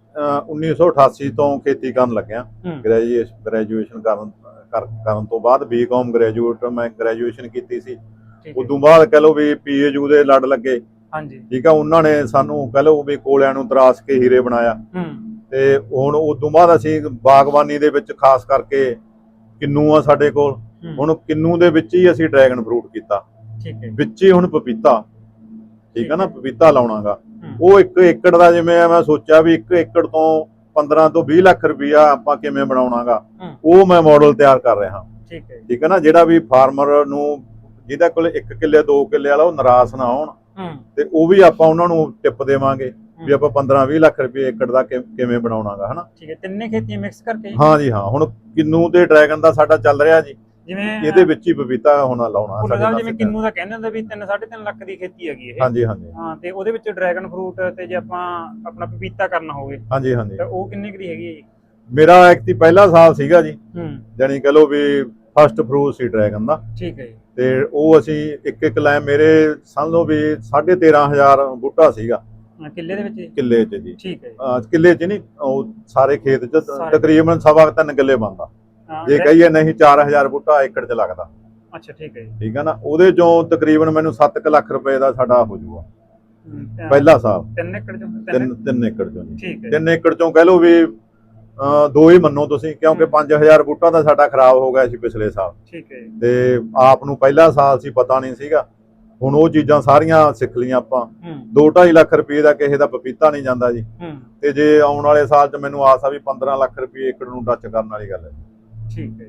B: 1988 ਤੋਂ ਖੇਤੀ ਕਰਨ ਲੱਗਿਆ। ਗ੍ਰੈਜੂਏਸ਼ਨ ਕਰਨ ਤੋਂ ਬਾਅਦ ਬੀਕਾਮ ਮੈਂ ਗ੍ਰੈਜੂਏਸ਼ਨ ਕੀਤੀ ਸੀ। ਉਦੋਂ ਬਾਅਦ ਕਹਿ ਲਓ ਵੀ ਪੀਏਯੂ ਦੇ ਲੜ ਲੱਗੇ।
A: ਹਾਂਜੀ
B: ਠੀਕ ਆ, ਉਹਨਾਂ ਨੇ ਸਾਨੂੰ ਕਹਿ ਲਓ ਵੀ ਕੋਲਿਆਂ ਨੂੰ ਤਰਾਸ਼ ਕੇ ਹੀਰੇ ਬਣਾਇਆ। ਤੇ ਹੁਣ ਉਦੋਂ ਬਾਅਦ ਅਸੀਂ ਬਾਗਬਾਨੀ ਦੇ ਵਿੱਚ ਖਾਸ ਕਰਕੇ ਕਿੰਨੂ ਆ ਸਾਡੇ ਕੋਲ, ਹੁਣ ਕਿੰਨੂ ਦੇ ਵਿੱਚ ਹੀ ਅਸੀਂ ਡਰੈਗਨ ਫਰੂਟ ਕੀਤਾ, ਵਿੱਚ ਹੀ ਹੁਣ ਪਪੀਤਾ, ਠੀਕ ਆ ਨਾ, ਪਪੀਤਾ ਲਾਉਣਾਗਾ। ਉਹ 1 ਏਕੜ ਦਾ ਜਿਵੇਂ ਮੈਂ ਸੋਚਿਆ ਵੀ 1 ਏਕੜ ਤੋਂ 15 ਤੋਂ 20 ਲੱਖ ਰੁਪਇਆ ਆਪਾਂ ਕਿਵੇਂ ਬਣਾਉਣਾਗਾ, ਉਹ ਮੈਂ ਮਾਡਲ ਤਿਆਰ ਕਰ ਰਿਹਾ। ਠੀਕ ਹੈ ਨਾ, ਜਿਹੜਾ ਵੀ ਫਾਰਮਰ ਨੂੰ ਜਿਹਦੇ ਕੋਲ 1 ਕਿੱਲੇ 2 ਕਿੱਲੇ ਵਾਲਾ ਉਹ ਨਿਰਾਸ਼ ਨਾ ਹੋਣ, ਤੇ ਉਹ ਵੀ ਆਪਾਂ ਉਹਨਾਂ ਨੂੰ ਟਿਪ ਦੇਵਾਂਗੇ ਵੀ ਆਪਾਂ 15-20 ਲੱਖ ਰੁਪਏ ਏਕੜ ਦਾ ਕਿਵੇਂ ਬਣਾਉਣਾਗਾ, ਹਨਾ।
A: ਠੀਕ ਹੈ, ਤਿੰਨੇ ਖੇਤੀਆਂ ਮਿਕਸ ਕਰਕੇ?
B: ਹਾਂ ਜੀ ਹਾਂ। ਹੁਣ ਕਿੰਨੂ ਤੇ ਡਰੈਗਨ ਦਾ ਸਾਡਾ ਚੱਲ ਰਿਹਾ ਜੀ,
A: ਜਿਵੇਂ
B: ਇਹਦੇ ਵਿੱਚ ਹੀ ਪਪੀਤਾ ਹੁਣ ਲਾਉਣਾ।
A: ਜਿਵੇਂ ਕਿੰਨੂ ਦਾ ਕਹਿੰਦੇ ਹੁੰਦੇ ਵੀ 3-3.5 ਲੱਖ ਦੀ ਖੇਤੀ ਹੈਗੀ ਇਹ।
B: ਹਾਂਜੀ।
A: ਹਾਂ, ਤੇ ਉਹਦੇ ਵਿੱਚ ਡਰੈਗਨ ਫਰੂਟ ਤੇ ਜੇ ਆਪਾਂ ਆਪਣਾ ਪਪੀਤਾ ਕਰਨਾ ਹੋਵੇ,
B: ਹਾਂਜੀ,
A: ਤਾਂ ਉਹ ਕਿੰਨੀ ਕੁ ਦੀ ਹੈਗੀ ਹੈ ਜੀ?
B: ਮੇਰਾ ਐਕਚੁਅਲੀ ਪਹਿਲਾ ਸਾਲ ਸੀਗਾ ਜੀ, ਜਾਨੀ ਕਹ ਲਓ ਵੀ ਫਸਟ ਫਰੂਟ ਸੀ ਡਰੈਗਨ ਦਾ।
A: ਠੀਕ ਹੈ ਜੀ।
B: ਤੇ ਉਹ ਅਸੀਂ ਇੱਕ ਲੈ ਮੇਰੇ ਸਮਝ ਲਓ ਵੀ 13,500 ਬੂਟਾ ਸੀਗਾ
A: ਕਿੱਲੇ ਦੇ ਵਿੱਚ?
B: ਕਿੱਲੇ 'ਚ ਜੀ।
A: ਠੀਕ ਹੈ।
B: ਕਿੱਲੇ 'ਚ ਨਹੀਂ, ਉਹ ਸਾਰੇ ਖੇਤ 'ਚ ਤਕਰੀਬਨ 3.25 ਕਿੱਲੇ ਬਣਦਾ, ਜੇ ਕਹੀਏ ਨਹੀਂ 4000 ਬੂਟਾ ਏਕੜ 'ਚ ਲੱਗਦਾ।
A: ਅੱਛਾ ਠੀਕ ਹੈ ਜੀ।
B: ਠੀਕ ਹੈ ਨਾ, ਉਹਦੇ ਚੋਂ ਤਕਰੀਬਨ ਮੈਨੂੰ 7 ਲੱਖ ਰੁਪਏ ਦਾ ਸਾਡਾ ਹੋ ਜਾਊਗਾ ਪਹਿਲਾ ਸਾਲ।
A: 3 ਏਕੜ ਚੋਂ?
B: 3 ਏਕੜ ਚੋਂ ਜੀ।
A: ਠੀਕ ਹੈ।
B: 3 ਏਕੜ ਚੋਂ ਕਹਿ ਲਓ ਵੀ 2 ਹੀ ਮੰਨੋ ਤੁਸੀਂ, ਕਿਉਂਕਿ 5000 ਬੂਟਾ ਤਾਂ ਸਾਡਾ ਖਰਾਬ ਹੋ ਗਿਆ ਸੀ ਪਿਛਲੇ ਸਾਲ।
A: ਠੀਕ ਹੈ।
B: ਤੇ ਆਪ ਨੂੰ ਪਹਿਲਾ ਸਾਲ ਸੀ, ਪਤਾ ਨਹੀਂ ਸੀਗਾ। ਹੁਣ ਉਹ ਚੀਜ਼ਾਂ ਸਾਰੀਆਂ ਸਿੱਖ ਲਈਆਂ ਆਪਾਂ। 2-2.5 ਲੱਖ ਰੁਪਏ ਦਾ ਕਿਸੇ ਦਾ ਪਪੀਤਾ ਨਹੀਂ ਜਾਂਦਾ ਜੀ। ਤੇ ਜੇ ਆਉਣ ਵਾਲੇ ਸਾਲ 'ਚ ਮੈਨੂੰ ਆਸ ਆ ਵੀ 15 ਲੱਖ ਰੁਪਏ ਏਕੜ ਨੂੰ ਟੱਚ ਕਰਨ ਵਾਲੀ ਗੱਲ ਹੈ।
A: ਠੀਕ ਹੈ।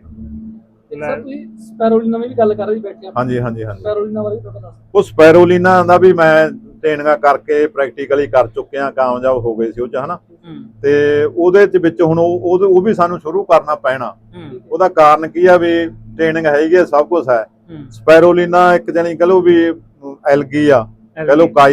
C: ਸਰ ਤੁਸੀਂ ਸਪੈਰੋਲੀਨਾ ਦੀ ਵੀ ਗੱਲ ਕਰ ਰਹੇ ਬੈਠੇ ਆ?
B: ਹਾਂਜੀ।
C: ਸਪੈਰੋਲੀਨਾ ਬਾਰੇ ਤੁਹਾਨੂੰ ਦੱਸ।
B: ਉਹ ਸਪੈਰੋਲੀਨਾ ਦਾ ਵੀ ਮੈਂ ਟ੍ਰੇਨਿੰਗਾਂ ਕਰਕੇ ਪ੍ਰੈਕਟੀਕਲੀ ਕਰ ਚੁੱਕਿਆ, ਕਾਮਯਾਬ ਹੋ ਗਏ ਸੀ ਉਹ 'ਚ, ਹਨਾ। ਤੇ ਉਹਦੇ ਵਿੱਚ ਹੁਣ ਉਹ ਵੀ ਸਾਨੂੰ ਸ਼ੁਰੂ ਕਰਨਾ ਪੈਣਾ। ਉਹਦਾ ਕਾਰਨ ਕੀ ਆ ਵੀ ਟ੍ਰੇਨਿੰਗ ਹੈਗੀ ਆ, ਸਭ ਕੁਝ ਹੈ। ਸਪੈਰੋਲੀਨਾ ਇੱਕ ਜਾਨੀ ਕਹ ਲਓ ਵੀ ਐਲਗੀ ਆ, ਕਹ ਲਓ ਕਾਈ ਆ,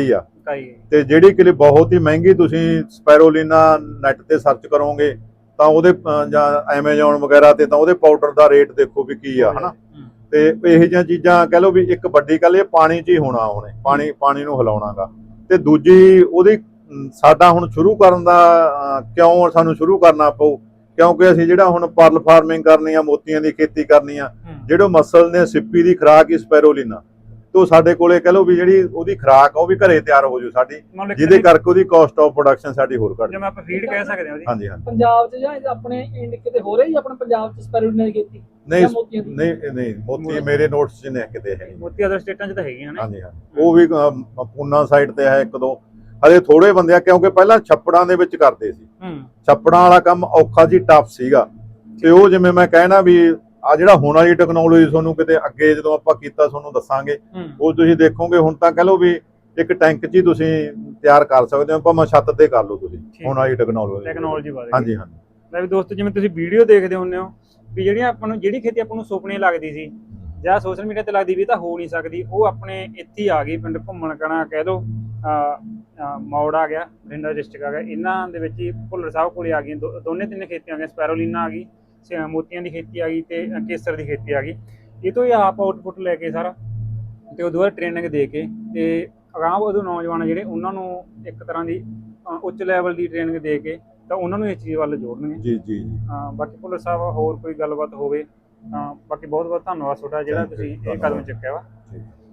A: ਫਰਕ ਆਈ
B: ਤੇ ਜਿਹੜੀ ਕਿਲੇ ਬਹੁਤ ਹੀ ਮਹਿੰਗੀ ਤੁਸੀਂ ਸਪੈਰੋਲੀਨਾ ਨੈਟ ਤੇ ਸਰਚ ਕਰੋਗੇ ਤਾਂ ਉਹਦੇ ਜਾਂ ਐਮਾਜ਼ੋਨ ਵਗੈਰਾ ਤੇ ਤਾਂ ਉਹਦੇ ਪਾਊਡਰ ਦਾ ਰੇਟ ਦੇਖੋ ਵੀ ਕੀ ਆ ਹਨਾ। ਤੇ ਇਹੋ ਜਿਹੀਆਂ ਚੀਜ਼ਾਂ ਕਹਿ ਲਓ ਵੀ ਇੱਕ ਵੱਡੀ ਗੱਲ ਇਹ ਪਾਣੀ 'ਚ ਹੀ ਹੋਣਾ ਉਹਨੇ, ਪਾਣੀ ਨੂੰ ਹਿਲਾਉਣਾਗਾ। ਤੇ ਦੂਜੀ ਉਹਦੀ ਸਾਡਾ ਹੁਣ ਸ਼ੁਰੂ ਕਰਨ ਦਾ ਕਿਉਂ ਸਾਨੂੰ ਸ਼ੁਰੂ ਕਰਨਾ ਪਊ, ਕਿਉਂਕਿ ਅਸੀਂ ਜਿਹੜਾ ਹੁਣ ਪਰਲ ਫਾਰਮਿੰਗ ਕਰਨੀ ਆ, ਮੋਤੀਆਂ ਦੀ ਖੇਤੀ ਕਰਨੀ ਆ, ਜਿਹੜੇ ਮਸਲ ਨੇ ਸਿੱਪੀ ਦੀ ਖੁਰਾਕ ਹੀ ਸਪੈਰੋਲੀਨਾ, ਤੋਂ ਸਾਡੇ ਕੋਲੇ ਕਹਿ ਲਓ ਵੀ ਜਿਹੜੀ ਉਹਦੀ ਖੁਰਾਕ ਆ ਉਹ ਵੀ ਘਰੇ ਤਿਆਰ ਹੋ ਜੂ ਸਾਡੀ, ਜਿਹਦੇ ਕਰਕੇ ਉਹਦੀ ਕਾਸਟ ਆਫ ਪ੍ਰੋਡਕਸ਼ਨ ਸਾਡੀ ਹੋਰ ਘੱਟ,
A: ਜਿਵੇਂ ਆਪਾਂ ਫੀਡ ਕਹਿ ਸਕਦੇ ਹਾਂ ਉਹਦੀ।
B: ਹਾਂਜੀ ਹਾਂਜੀ।
C: ਪੰਜਾਬ 'ਚ ਜਾਂ ਆਪਣੇ ਕਿਤੇ ਹੋ ਰਹੀ ਆਪਣੇ ਪੰਜਾਬ 'ਚ ਸਪੈਰੋਲੀਨਾ ਦੀ ਖੇਤੀ?
B: ਨਹੀਂ ਮੋਤੀ ਮੇਰੇ ਨੋਟਸ 'ਚ ਨੇ ਕਿਤੇ ਹੈ,
A: ਮੋਤੀ ਅਦਰ ਸਟੇਟਾਂ 'ਚ ਤਾਂ ਹੈਗੀਆਂ ਨੇ।
B: ਹਾਂਜੀ ਹਾਂਜੀ, ਉਹ ਵੀ ਪੂਨਾ ਸਾਈਡ ਤੇ ਹੈ ਇੱਕ ਦੋ, ਹਲੇ ਥੋੜੇ ਬੰਦੇ ਆ, ਕਿਉਂਕਿ ਪਹਿਲਾਂ ਛੱਪੜਾਂ ਦੇ ਵਿੱਚ ਕਰਦੇ ਸੀ। ਛੱਪੜਾਂ ਵਾਲਾ ਕੰਮ ਔਖਾ ਜੀ, ਟਫ ਸੀਗਾ। ਤੇ ਉਹ ਜਿਵੇਂ ਮੈਂ ਕਹਿਣਾ ਵੀ ਆ ਜਿਹੜਾ ਹੁਣ ਵਾਲੀ ਟੈਕਨੋਲੋਜੀ ਤੁਹਾਨੂੰ ਕਿਤੇ ਅੱਗੇ ਜਦੋਂ ਆਪਾਂ ਕੀਤਾ ਤੁਹਾਨੂੰ ਦੱਸਾਂਗੇ, ਉਹ ਤੁਸੀਂ ਦੇਖੋਗੇ। ਹੁਣ ਤਾਂ ਕਹਿ ਲਓ ਵੀ ਇੱਕ ਟੈਂਕ 'ਚ ਹੀ ਤੁਸੀਂ ਤਿਆਰ ਕਰ ਸਕਦੇ ਹੋ, ਭਾਵੇਂ ਛੱਤ ਤੇ ਕਰ ਲਓ ਤੁਸੀਂ ਹੁਣ ਵਾਲੀ ਟੈਕਨੋਲੋਜੀ
A: ਬਾਰੇ।
B: ਹਾਂਜੀ ਹਾਂਜੀ।
A: ਲੈ ਵੀ ਦੋਸਤੋ, ਜਿਵੇਂ ਤੁਸੀਂ ਵੀਡੀਓ ਦੇਖਦੇ ਹੁੰਦੇ ਹੋ ਵੀ ਜਿਹੜੀਆਂ ਆਪਾਂ ਨੂੰ ਜਿਹੜੀ ਖੇਤੀ ਆਪਾਂ ਨੂੰ ਸੁਪਨੇ ਲੱਗਦੀ ਸੀ ਜਾਂ ਸੋਸ਼ਲ ਮੀਡੀਆ ਤੇ ਲੱਗਦੀ ਵੀ ਤਾਂ ਹੋ ਨਹੀਂ ਸਕਦੀ, ਉਹ ਆਪਣੇ ਇੱਥੇ ਹੀ ਆ ਗਈ। ਪਿੰਡ ਘੁੰਮਣ ਕਣਾ ਕਹਿ ਲਓ, ਮੌੜ ਆ ਗਿਆ, ਬਠਿੰਡਾ ਡਿਸਟ੍ਰਿਕਟ ਆ ਗਿਆ, ਇਹਨਾਂ ਦੇ ਵਿੱਚ ਹੀ ਭੁੱਲਰ ਸਾਹਿਬ ਕੋਲੇ ਆ ਗਈਆਂ ਦੋਨੇ ਤਿੰਨ ਖੇਤੀਆਂ ਆ ਗਈਆਂ। ਸਪੈਰੋਲੀਨਾ ਆ ਗਈ, ਮੋਤੀਆਂ ਦੀ ਖੇਤੀ ਆ ਗਈ ਤੇ ਕੇਸਰ ਦੀ ਖੇਤੀ ਆ ਗਈ। ਇਹ ਤੋਂ ਹੀ ਆਪ ਆਊਟਪੁੱਟ ਲੈ ਕੇ ਸਾਰਾ, ਤੇ ਉਦੋਂ ਬਾਅਦ ਟ੍ਰੇਨਿੰਗ ਦੇ ਕੇ ਤੇ ਅਗਾਂਹ ਵਧੂ ਨੌਜਵਾਨ ਜਿਹੜੇ ਉਹਨਾਂ ਨੂੰ ਇੱਕ ਤਰ੍ਹਾਂ ਦੀ ਉੱਚ ਲੈਵਲ ਦੀ ਟ੍ਰੇਨਿੰਗ ਦੇ ਕੇ ਤਾਂ ਉਹਨਾਂ ਨੂੰ ਇਸ ਚੀਜ਼ ਵੱਲ ਜੋੜਨਗੇ।
B: ਜੀ ਜੀ।
A: ਬਾਕੀ ਭੁੱਲਰ ਸਾਹਿਬ ਹੋਰ ਕੋਈ ਗੱਲਬਾਤ ਹੋਵੇ ਤਾਂ ਬਾਕੀ ਬਹੁਤ ਬਹੁਤ ਧੰਨਵਾਦ ਤੁਹਾਡਾ ਜਿਹੜਾ ਤੁਸੀਂ ਇਹ ਕਦਮ ਚੁੱਕਿਆ ਵਾ।